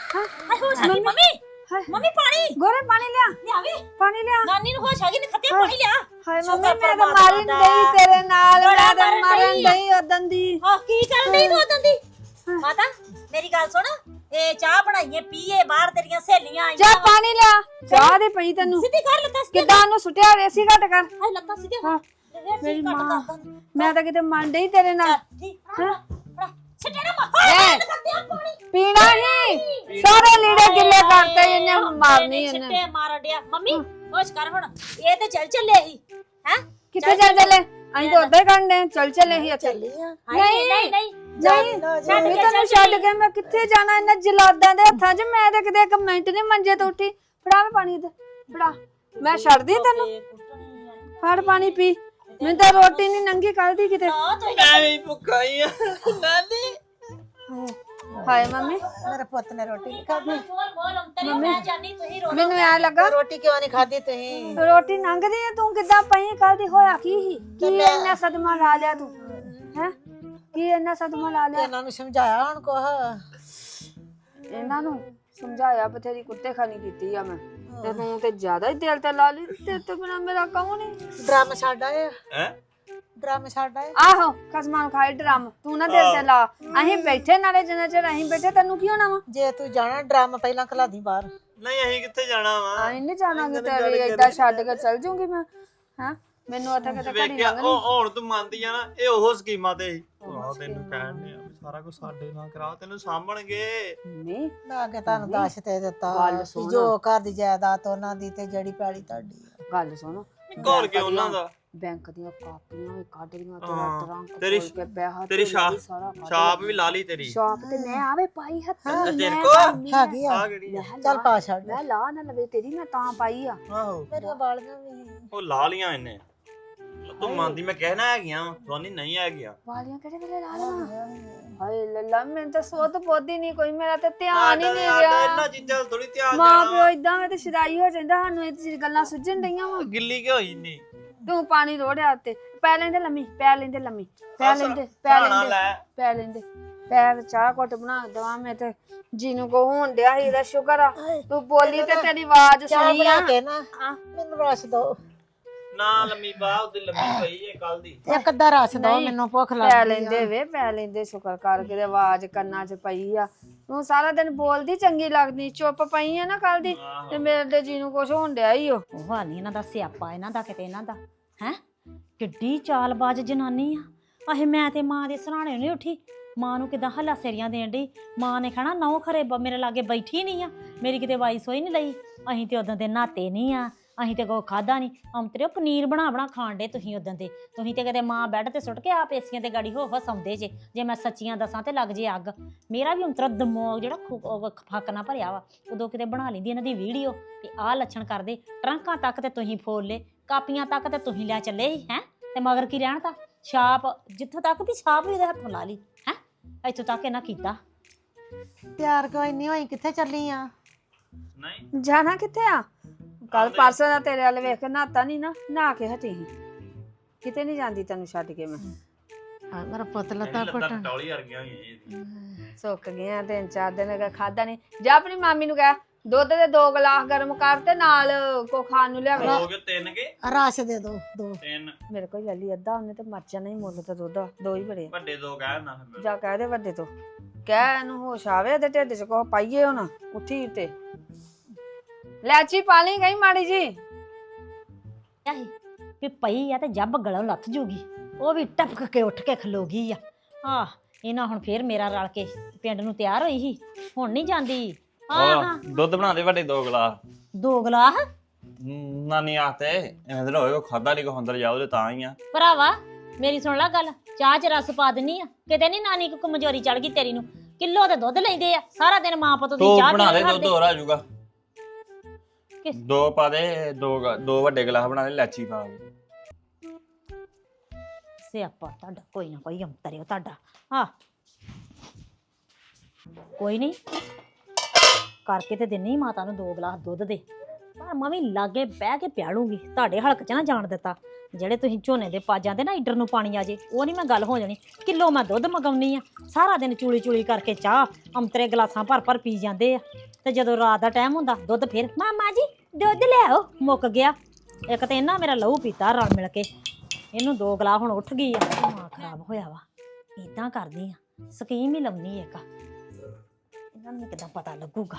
[SPEAKER 3] ਮੰਮੀ
[SPEAKER 2] ਹਾਏ
[SPEAKER 3] ਮੰਮੀ ਪਾਣੀ
[SPEAKER 2] ਗੋਰੇ ਪਾਣੀ ਲਿਆ
[SPEAKER 3] ਲਿਆਵੇ,
[SPEAKER 2] ਪਾਣੀ ਲਿਆ
[SPEAKER 3] ਨਾਨੀ ਨੂੰ ਹੋਸ਼ ਆ ਗਈ ਨੇ ਖੱਤੇ ਪਾਣੀ ਲਿਆ।
[SPEAKER 2] ਹਾਏ
[SPEAKER 3] ਸ਼ੁਕਰ
[SPEAKER 2] ਮੰਮੀ ਮੈਂ ਤਾਂ
[SPEAKER 3] ਪਰਮਾਤਮਾ
[SPEAKER 2] ਮਾਰਨ
[SPEAKER 3] ਦਾ।
[SPEAKER 2] ਡਈ ਤੇਰੇ ਨਾਲ
[SPEAKER 3] ਬੜਾ
[SPEAKER 2] ਮੈਂ ਤਾਂ
[SPEAKER 3] ਮਾਰਨ
[SPEAKER 2] ਮਾਰਨ
[SPEAKER 3] ਡਈ ਆ।
[SPEAKER 2] ਡਈ ਉਦਣ ਦੀ
[SPEAKER 3] ਹਾਂ ਕੀ ਕਰਨ ਡਈ ਤੂੰ ਉਦੋਂ ਦੀ? ਮਾਤਾ ਮੇਰੀ ਗੱਲ ਸੁਣ, ਇਹ ਚਾਹ ਬਣਾਈਏ ਪੀਏ, ਬਾਹਰ ਤੇਰੀਆਂ ਸਹੇਲੀਆਂ ਆਈਆਂ
[SPEAKER 2] ਜਾ
[SPEAKER 3] ਵਾ।
[SPEAKER 2] ਪਾਣੀ ਲਿਆ ਚਾਹ ਦੇ ਪਈ ਤੈਨੂੰ
[SPEAKER 3] ਸਿੱਧੀ ਕਰ ਲੱਤਾਂ ਸਿੱਧੀ
[SPEAKER 2] ਕਿੱਦਾਂ ਉਹਨੂੰ ਸੁੱਟਿਆ ਰੇਸੀ ਘਟ ਕਰ
[SPEAKER 3] ਹਾਏ ਲੱਤਾਂ ਸਿੱਧੀ
[SPEAKER 2] ਹਾਂ
[SPEAKER 3] ਮੇਰੀ
[SPEAKER 2] ਮੇਰੀ
[SPEAKER 3] ਮਾਂ
[SPEAKER 2] ਮਾਂ ਮੈਂ ਤਾਂ ਕਿਤੇ ਮੰਨ ਡਈ ਤੇਰੇ ਨਾਲ
[SPEAKER 3] ਸਿੱਟੇ ਨਾ
[SPEAKER 2] ਐ, ਪੀਣਾ ਹੀ ਸਾਰੇ ਲੀੜੇ ਗਿੱਲੇ ਕਰਤੇ ਇਹਨੇ ਮਾਰਨੀ ਇਹਨੇ
[SPEAKER 3] ਸਿੱਟੇ ਮਾਰ ਡਿਆ। ਮੰਮੀ ਹੋਸ਼ ਕਰ ਹੁਣ, ਇਹ ਤੇ ਚੱਲੇ ਹੀ ਹੈ।
[SPEAKER 2] ਕਿੱਥੇ ਚੱਲ ਚੱਲੇ ਅਸੀਂ ਤਾਂ ਉਦਾਂ ਹੀ ਕਰਨੇ ਚੱਲ ਚੱਲੇ ਹੀ ਇੱਥੇ
[SPEAKER 5] ਚੱਲੀਆਂ
[SPEAKER 3] ਨਹੀਂ ਨਹੀਂ ਨਹੀਂ
[SPEAKER 2] ਨਹੀਂ
[SPEAKER 3] ਛੱਡ
[SPEAKER 2] ਮੈਂ
[SPEAKER 3] ਕੇ
[SPEAKER 2] ਤੈਨੂੰ ਛੱਡ ਕੇ ਮੈਂ ਕਿੱਥੇ ਜਾਣਾ ਇਹਨਾਂ ਜਲਾਦਾਂ ਦੇ ਹੱਥਾਂ 'ਚ ਮੈਂ ਤਾਂ ਕਿਤੇ ਇੱਕ ਮਿੰਟ ਨਹੀਂ ਮੰਜੇ ਤੋਂ ਉੱਠੀ ਫੜਾ ਮੈਂ ਪਾਣੀ ਦੇ ਫੜਾ ਮੈਂ ਛੱਡਦੀ ਤੈਨੂੰ ਫੜ ਪਾਣੀ ਪੀ ਮੈਨੂੰ ਤਾਂ ਰੋਟੀ ਨਹੀਂ ਨੰਗੀ ਕੱਲ ਦੀ ਕਿਤੇ
[SPEAKER 1] ਮੈਂ ਵੀ ਭੁੱਖਾ ਹੀ ਆ ਨਾਨੀ
[SPEAKER 2] ਹਾਏ ਮੰਮੀ
[SPEAKER 5] ਮੇਰੇ ਪੁੱਤ ਨੇ ਰੋਟੀ ਨਹੀਂ ਖਾਧੀ
[SPEAKER 3] ਮੈਂ ਜਾਨੀ ਤੁਸੀਂ ਰੋ
[SPEAKER 2] ਮੈਨੂੰ ਐ ਲੱਗਾ
[SPEAKER 5] ਰੋਟੀ ਕਿਉਂ ਨਹੀਂ ਖਾਧੀ ਤੁਸੀਂ
[SPEAKER 2] ਰੋਟੀ ਲੰਘਦੀ ਐ ਤੂੰ ਕਿੱਦਾਂ ਪਈ ਕੱਲ ਦੀ ਹੋਇਆ ਕੀ ਇੰਨਾ ਸਦਮਾ ਲਾ ਲਿਆ ਤੂੰ ਹੈ ਕੀ ਇੰਨਾ ਸਦਮਾ ਲਾ ਲਿਆ
[SPEAKER 5] ਇਹਨਾਂ ਨੂੰ ਸਮਝਾਇਆ ਹੁਣ ਕੋਹ
[SPEAKER 2] ਇਹਨਾਂ ਨੂੰ ਸਮਝਾਇਆ ਬਥੇਰੀ ਕੁੱਤੇ ਖਾਣੀ ਕੀਤੀ ਆ ਮੈਂ ਤੇ ਤੂੰ ਤੇ ਜ਼ਿਆਦਾ ਹੀ ਦਿਲ ਤੇ ਲਾ ਲਈ ਤੇ ਤੋਂ ਬਿਨਾ ਮੇਰਾ ਕੌਣ ਨਹੀਂ
[SPEAKER 5] ਡਰਮ ਛੱਡ ਆਏ
[SPEAKER 1] ਹੈ
[SPEAKER 5] ਡਰਮ ਛੱਡ ਆਏ
[SPEAKER 2] ਆਹੋ ਕਸਮਾਂ ਨੂੰ ਖਾਏ ਡਰਮ ਤੂੰ ਨਾ ਦਿਲ ਤੇ ਲਾ ਅਸੀਂ ਬੈਠੇ ਨਾਲੇ ਜਿੰਨਾ ਚਿਰ ਅਸੀਂ ਬੈਠੇ ਤੈਨੂੰ ਕੀ ਹੋਣਾ ਵਾ
[SPEAKER 5] ਜੇ ਤੂੰ ਜਾਣਾ ਡਰਮ ਪਹਿਲਾਂ ਖਲਾ ਦੀ ਬਾਹਰ
[SPEAKER 1] ਨਹੀਂ ਅਸੀਂ ਕਿੱਥੇ ਜਾਣਾ ਵਾ
[SPEAKER 2] ਅਸੀਂ ਨਹੀਂ ਜਾਣਾਂਗੇ ਤੇਰੀ ਏਦਾਂ ਛੱਡ ਕੇ ਚੱਲ ਜੂਗੀ ਮੈਂ ਹਾਂ ਮੈਨੂੰ ਉੱਥੇ ਕਿਤੇ ਘੜੀ
[SPEAKER 1] ਵੇਖਿਆ
[SPEAKER 2] ਲੰਘਣੀ
[SPEAKER 1] ਉਹ ਹੁਣ ਤੂੰ ਮੰਨਦੀ ਆ ਨਾ ਇਹ ਉਹ ਸਕੀਮਾਂ ਤੇ ਸੀ ਆਹ ਤੈਨੂੰ ਕਹਿਣ ਨੇ ਸਾਰਾ ਕੁਝ ਸਾਡੇ ਨਾਲ ਕਰਾ ਤੈਨੂੰ ਸਾਂਭਣਗੇ
[SPEAKER 2] ਨਹੀਂ
[SPEAKER 5] ਮੈਂ ਅੱਗੇ ਤੁਹਾਨੂੰ ਦੱਸ ਤੇ ਦਿੱਤਾ
[SPEAKER 2] ਗੱਲ
[SPEAKER 5] ਵੀ
[SPEAKER 2] ਸੁਣ।
[SPEAKER 5] ਜੋ ਘਰ ਦੀ ਜਾਇਦਾਦ ਉਹਨਾਂ ਦੀ ਤੇ ਜਿਹੜੀ ਪੈਲੀ ਤੁਹਾਡੀ ਆ।
[SPEAKER 2] ਗੱਲ ਸੁਣ
[SPEAKER 1] ਘੋਲ ਕੇ ਉਹਨਾਂ ਦਾ
[SPEAKER 2] ਬੈਂਕ ਦੀਆਂ ਕਾਪੀਆਂ ਵੀ ਕੱਢ ਲੀਆਂ ਤੇਰਾ
[SPEAKER 1] ਹਾਂ,
[SPEAKER 2] ਟਰੰਕ
[SPEAKER 1] ਤੇਰੀ-
[SPEAKER 2] ਖੋਲ ਕੇ ਪੈਸਾ
[SPEAKER 1] ਤੇਰੀ
[SPEAKER 2] ਧੇਲਾ
[SPEAKER 1] ਛਾਪ-
[SPEAKER 2] ਵੀ ਸਾਰਾ ਕੱਢ
[SPEAKER 1] ਛਾਪ
[SPEAKER 2] ਲਿਆ।
[SPEAKER 1] ਵੀ ਲਾ ਲਈ ਤੇਰੀ
[SPEAKER 2] ਛਾਪ ਤੇ ਮੈਂ ਆਵੇ ਪਾਈ ਹੱਥਾਂ
[SPEAKER 1] ਤੇ ਤੇਰੇ
[SPEAKER 2] ਮੈਂ
[SPEAKER 1] ਕੋ
[SPEAKER 2] ਪਾਈ ਆ।
[SPEAKER 5] ਹੈਗੀ ਆ
[SPEAKER 1] ਆ ਕਿਹੜੀ ਆ?
[SPEAKER 5] ਚੱਲ ਪਾ ਛੱਡ
[SPEAKER 2] ਮੈਂ ਲਾ ਨਾ ਲਵੇ ਤੇਰੀ ਮੈਂ ਤਾਂ ਪਾਈ ਆ
[SPEAKER 1] ਆਹੋ
[SPEAKER 5] ਮੇਰੀਆਂ ਬਾਲੀਆਂ ਵੀ
[SPEAKER 1] ਉਹ ਲਾ ਲੀਆਂ ਇਹਨੇ ਤੂੰ ਮੰਨਦੀ ਮੈਂ ਕਹਿਣਾ ਹੈਗੀਆਂ ਸੋਨੀ ਨਹੀਂ ਹੈਗੀਆਂ
[SPEAKER 2] ਵਾਲੀਆਂ ਕਿਹੜੇ ਵੇਲੇ ਲਾ ਲਾਂ ਹਾਏ ਲੱਲਾ ਮੈਨੂੰ ਤਾਂ ਸੋਧ ਪੋਦੀ ਨਹੀਂ ਕੋਈ ਮੇਰਾ ਤੇ ਧਿਆਨ ਹੀ ਨਹੀਂ ਰਿਹਾ
[SPEAKER 1] ਇਹਨਾਂ ਚੀਜ਼ਾਂ ਥੋੜੀ ਧਿਆਨ
[SPEAKER 2] ਮਾਂ
[SPEAKER 1] ਜਾਣਾ
[SPEAKER 2] ਪਿਓ ਇਦਾਂ ਵੇ ਤੇ ਸ਼ਦਾਈ ਹੋ ਜਾਂਦਾ ਸਾਨੂੰ ਇਹ ਚੀਜ਼ ਗੱਲਾਂ ਸੁਝਣ ਡਈਆਂ ਵਾ
[SPEAKER 1] ਗਿੱਲੀ ਕਿਉਂ ਹੋਈ ਨਹੀਂ
[SPEAKER 2] ਤੂੰ ਪਾਣੀ ਰੋੜਿਆ ਉੱਤੇ ਪੈ ਲੈਂਦੇ ਲੰਮੀ ਪੈ ਲੈਂਦੇ ਲੰਮੀ ਪੈ
[SPEAKER 1] ਆਹ
[SPEAKER 2] ਲੈਂਦੇ ਪੈ
[SPEAKER 1] ਸਰਾਣਾ
[SPEAKER 2] ਲੈਂਦੇ
[SPEAKER 1] ਲੈ।
[SPEAKER 2] ਪੈ ਲੈਂਦੇ ਪੈਰ ਚਾਹ ਘੁੱਟ ਬਣਾ ਦਵਾ ਮੈਂ ਤੇ ਜਿਹਨੂੰ ਕੋ ਹੋਣ ਡਿਆ ਸੀ ਇਹਦਾ ਸ਼ੁਕਰ ਆ ਤੂੰ ਬੋਲੀ ਤੇ ਤੇਰੀ ਆਵਾਜ਼
[SPEAKER 5] ਚਾਹ
[SPEAKER 2] ਸੁਣੀ ਆ
[SPEAKER 5] ਬਣਾ ਕੇ ਨਾ ਮੈਨੂੰ ਰਸ ਦੋ
[SPEAKER 1] ਨਾ ਲੰਮੀ ਬਾਹ ਉਹਦੀ ਲੰਮੀ ਪਈ ਏ ਕੱਲ ਦੀ
[SPEAKER 5] ਇੱਕ ਅੱਧਾ ਰਸ ਦੋ ਮੈਨੂੰ ਭੁੱਖ
[SPEAKER 2] ਪੈ
[SPEAKER 5] ਲੱਗ
[SPEAKER 2] ਲੈਂਦੇ ਵੇ ਪੈ ਲੈਂਦੇ ਸ਼ੁਕਰ ਕਰਕੇ ਤੇ ਆਵਾਜ਼ ਕੰਨਾਂ 'ਚ ਪਈ ਆ ਤੂੰ ਸਾਰਾ ਦਿਨ ਬੋਲਦੀ ਚੰਗੀ ਲੱਗਦੀ ਚੁੱਪ ਪਈ ਆ ਨਾ ਕੱਲ ਦੀ ਤੇ ਮੇਰੇ ਤੇ ਜਿਹਨੂੰ ਕੁਛ ਹੋਣ ਡਿਆ ਹੀ
[SPEAKER 3] ਉਹ ਹਾਲ ਨੀ ਇਹਨਾਂ ਦਾ ਸਿਆਪਾ ਇਹਨਾਂ ਦਾ ਕਿਤੇ ਇਹਨਾਂ ਦਾ ਹੈ ਕਿੱਡੀ ਚਾਲਬਾਜ਼ ਜਨਾਨੀ ਆ। ਆਹੇ ਮੈਂ ਤੇ ਮਾਂ ਦੇ ਸਰਾਣੇ ਨਹੀਂ ਉੱਠੀ, ਮਾਂ ਨੂੰ ਕਿਦਾਂ ਹੱਲਾ ਸੇਰੀਆਂ ਦੇਣ ਡਈ। ਮਾਂ ਨੇ ਕਹਿਣਾ ਨਹੁੰ ਖਰੇ ਮੇਰੇ ਲਾਗੇ ਬੈਠੀ ਨਹੀਂ ਆ, ਮੇਰੀ ਕਿਤੇ ਵਾਈ ਸੋਈ ਨਹੀਂ ਲਈ। ਅਸੀਂ ਤੇ ਉਦੋਂ ਦੇ ਨਹਾਤੇ ਨਹੀਂ ਆ, ਅਸੀਂ ਤੇ ਕੋ ਖਾਦਾ ਨਹੀਂ। ਅੰਤਰਿਓ ਪਨੀਰ ਬਣਾ ਬਣਾ ਖਾਣ ਡੇ ਤੁਸੀਂ ਉਦੋਂ ਦੇ। ਤੁਸੀਂ ਤੇ ਕਦੇ ਮਾਂ ਬੈੱਡ ਤੇ ਸੁੱਟ ਕੇ ਆਪ ਏਸੀਆਂ ਤੇ ਗਾੜੀ ਹੋ ਹਸਾਉਂਦੇ ਜੇ ਮੈਂ ਸੱਚੀਆਂ ਦੱਸਾਂ ਤੇ ਲੱਗ ਜੇ ਅੱਗ। ਮੇਰਾ ਵੀ ਅੰਤਰਾ ਦਿਮਾਗ ਜਿਹੜਾ ਫੱਕ ਨਾ ਭਰਿਆ ਵਾ। ਉਦੋਂ ਕਿਤੇ ਬਣਾ ਲੈਂਦੀ ਇਹਨਾਂ ਦੀ ਵੀਡੀਓ ਤੇ ਆਹ ਲੱਛਣ ਕਰਦੇ। ਟਰੰਕਾਂ ਤੱਕ ਤੇ ਤੁਸੀਂ ਫੋਲ ਲੇ, ਕਾਪੀਆਂ ਤੱਕ ਤੇ ਤੁਸੀਂ ਲੈ ਚੱਲੇ ਸੀ ਹੈ। ਤੇ ਮਗਰ ਕੀ ਰਹਿਣ ਤਾਂ ਛਾਪ, ਜਿੱਥੋਂ ਤੱਕ ਵੀ ਛਾਪ ਵੀ ਉਹਦੇ ਹੱਥੋਂ ਲਾ ਲਈ ਹੈ। ਇੱਥੋਂ ਤੱਕ ਇਹਨਾਂ ਕੀਤਾ।
[SPEAKER 5] ਪਿਆਰ ਕੋਈ ਇੰਨੀ ਹੋਈ ਕਿੱਥੇ ਚੱਲੀ ਆ?
[SPEAKER 1] ਨਹੀਂ
[SPEAKER 2] ਜਾਣਾ ਕਿੱਥੇ ਆ? ਕੱਲ ਪਰਸੋਂ ਦਾ ਤੇਰੇ ਵਾਲੇ ਵੇਖ ਕੇ ਨਹਾਤਾ ਨਹੀਂ ਨਾ, ਨਹਾ ਕੇ ਹਟੀ ਸੀ। ਕਿਤੇ ਨਹੀਂ ਜਾਂਦੀ ਤੈਨੂੰ ਛੱਡ ਕੇ ਮੈਂ।
[SPEAKER 5] ਹਾਂ ਮੇਰਾ ਪੁੱਤ ਲੱਤਾਂ ਘੁੱਟਣ
[SPEAKER 1] ਟੌਲੀ ਵਰਗੀਆਂ ਹੋਈਆਂ
[SPEAKER 2] ਸੁੱਕ ਗਈਆਂ 3-4 ਦਿਨ ਖਾਦਾ ਨਹੀਂ। ਜਾ ਆਪਣੀ ਮਾਮੀ ਨੂੰ ਕਹਿ ਦੁੱਧ ਦੇ 2 ਗਲਾਸ ਗਰਮ ਕਰ ਤੇ ਨਾਲ ਕੋ ਖਾਣ ਨੂੰ ਲਿਆਵੇ
[SPEAKER 1] ਹੋ ਗਏ 3 ਕੇ
[SPEAKER 5] ਰਸ ਦੇ ਦੋ
[SPEAKER 1] 3
[SPEAKER 2] ਮੇਰੇ ਕੋਲ ਲੈ ਲਈ ਅੱਧਾ, ਉਹਨੇ ਤੇ ਮਰ ਜਾਣਾ ਹੀ, ਮੁੱਲ ਤਾਂ ਦੁੱਧ 2 ਹੀ ਬੜੇ ਆ।
[SPEAKER 1] ਵੱਡੇ 2 ਕਹਿ ਨਾ ਫਿਰ
[SPEAKER 2] ਜਾ ਕਹਿ ਦੇ ਵੱਡੇ ਤੋਂ, ਕਹਿ ਇਹਨੂੰ ਹੋਸ਼ ਆਵੇ ਤੇ ਢਿੱਡ 'ਚ ਕੋ ਪਾਈਏ ਹੁਣ ਉੱਠੀ ਤੇ ਲੈਚੀ ਪਾ ਲਈ ਗਈ ਮਾੜੀ ਜੀ।
[SPEAKER 3] ਆਹੀ ਵੀ ਪਈ ਆ ਤੇ ਜੱਬ ਗਲੋਂ ਲੱਥ ਜੂਗੀ, ਉਹ ਵੀ ਟਪਕ ਕੇ ਉੱਠ ਕੇ ਖਲੋ ਗਈ ਆ ਇਹਨਾਂ ਹੁਣ ਫੇਰ ਮੇਰਾ ਰਲ ਕੇ ਪਿੰਡ ਨੂੰ ਤਿਆਰ ਹੋਈ ਸੀ, ਹੁਣ ਨਹੀਂ ਜਾਂਦੀ। ਹਾਂ
[SPEAKER 1] ਦੁੱਧ ਬਣਾ ਦੇ ਵੱਡੇ 2 ਗਲਾਸ
[SPEAKER 3] 2 ਗਲਾਸ
[SPEAKER 1] ਨਾਨੀ ਆਤੇ ਐਵੇਂ ਤਾਂ ਹੋਏ ਕੋ ਖਾਦਾ ਨਹੀਂ ਕੋ ਅੰਦਰ ਜਾਓ ਤੇ ਤਾਂ ਹੀ ਆ
[SPEAKER 3] ਭਰਾਵਾ ਮੇਰੀ ਸੁਣ ਲੈ ਗੱਲ, ਚਾਹ ਚ ਰਸ ਪਾ ਦਿੰਨੀ ਆ, ਕਿਤੇ ਨਹੀਂ ਨਾਨੀ ਕੋ ਕਮਜ਼ੋਰੀ ਚੜ ਗਈ ਤੇਰੀ ਨੂੰ। ਕਿਲੋ ਤੇ ਦੁੱਧ ਲੈਂਦੇ ਆ ਸਾਰਾ ਦਿਨ, ਮਾਂ ਪੁੱਤ ਦੀ
[SPEAKER 1] ਤੂੰ
[SPEAKER 3] ਚਾਹ
[SPEAKER 1] ਬਣਾ ਦੇ
[SPEAKER 3] ਪੀਂਦੇ
[SPEAKER 1] ਦੁੱਧ ਹੋਰ ਆ ਜਾਊਗਾ।
[SPEAKER 3] ਕਿਸ?
[SPEAKER 1] 2 ਪਾ ਦੇ, 2 ਵੱਡੇ ਗਲਾਸ ਬਣਾ ਦੇ ਲੈਚੀ ਪਾ ਕੇ।
[SPEAKER 3] ਸਿਆਪਾ ਤੁਹਾਡਾ ਕੋਈ ਨਾ ਕੋਈ ਅੰਤਰਿਓ ਤੁਹਾਡਾ। ਹਾਂ ਕੋਈ ਨਹੀਂ, ਕਰਕੇ ਤੇ ਦਿੰਨੀ ਮਾਤਾ ਨੂੰ 2 ਗਲਾਸ ਦੁੱਧ ਦੇ, ਪਰ ਮੈਂ ਵੀ ਲਾਗੇ ਬਹਿ ਕੇ ਪਿਆਲੂਗੀ। ਤੁਹਾਡੇ ਹਲਕ 'ਚ ਨਾ ਜਾਣ ਦਿੱਤਾ, ਜਿਹੜੇ ਤੁਸੀਂ ਝੋਨੇ ਦੇ ਪਾ ਜਾਂਦੇ ਨਾ ਈਡਰ ਨੂੰ ਪਾਣੀ ਆ ਜੇ, ਉਹ ਨਹੀਂ ਮੈਂ ਗੱਲ ਹੋ ਜਾਣੀ। ਕਿਲੋ ਮੈਂ ਦੁੱਧ ਮੰਗਾਉਣੀ ਆ, ਸਾਰਾ ਦਿਨ ਚੂਲੀ ਕਰਕੇ ਚਾਹ ਅੰਤਰੇ ਗਲਾਸਾਂ ਭਰ ਪੀ ਜਾਂਦੇ ਆ, ਤੇ ਜਦੋਂ ਰਾਤ ਦਾ ਟਾਈਮ ਹੁੰਦਾ ਦੁੱਧ ਫਿਰ ਮਾਮਾ ਜੀ ਦੁੱਧ ਲਿਆਓ, ਮੁੱਕ ਗਿਆ। ਇੱਕ ਤੇ ਇਹਨਾਂ ਮੇਰਾ ਲਹੂ ਪੀਤਾ ਰਲ ਮਿਲ ਕੇ, ਇਹਨੂੰ 2 ਗਲਾਸ ਹੁਣ ਉੱਠ ਗਈ ਆ, ਦਿਮਾਗ ਖਰਾਬ ਹੋਇਆ ਵਾ। ਇਦਾਂ ਕਰਦੀ ਆ, ਸਕੀਮ ਹੀ ਲਾਉਣੀ ਇੱਕ, ਇਹਨਾਂ ਨੂੰ ਕਿੱਦਾਂ ਪਤਾ ਲੱਗੂਗਾ।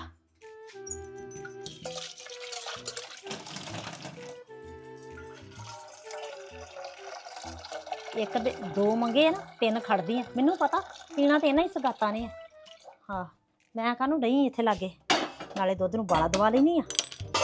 [SPEAKER 3] ਇੱਕ ਦੇ 2 ਮੰਗੇ ਆ ਨਾ, 3 ਖੜਦੀ ਆ, ਮੈਨੂੰ ਪਤਾ ਪੀਣਾ ਤੇ ਇਹਨਾਂ ਹੀ ਸਗਾਤਾਂ ਨੇ ਆ। ਹਾਂ ਮੈਂ ਕਾਹਨੂੰ ਡਈ ਇੱਥੇ ਲਾਗੇ, ਨਾਲੇ ਦੁੱਧ ਨੂੰ ਬਾਲਾ ਦਵਾ ਲੈਣੀ ਆ।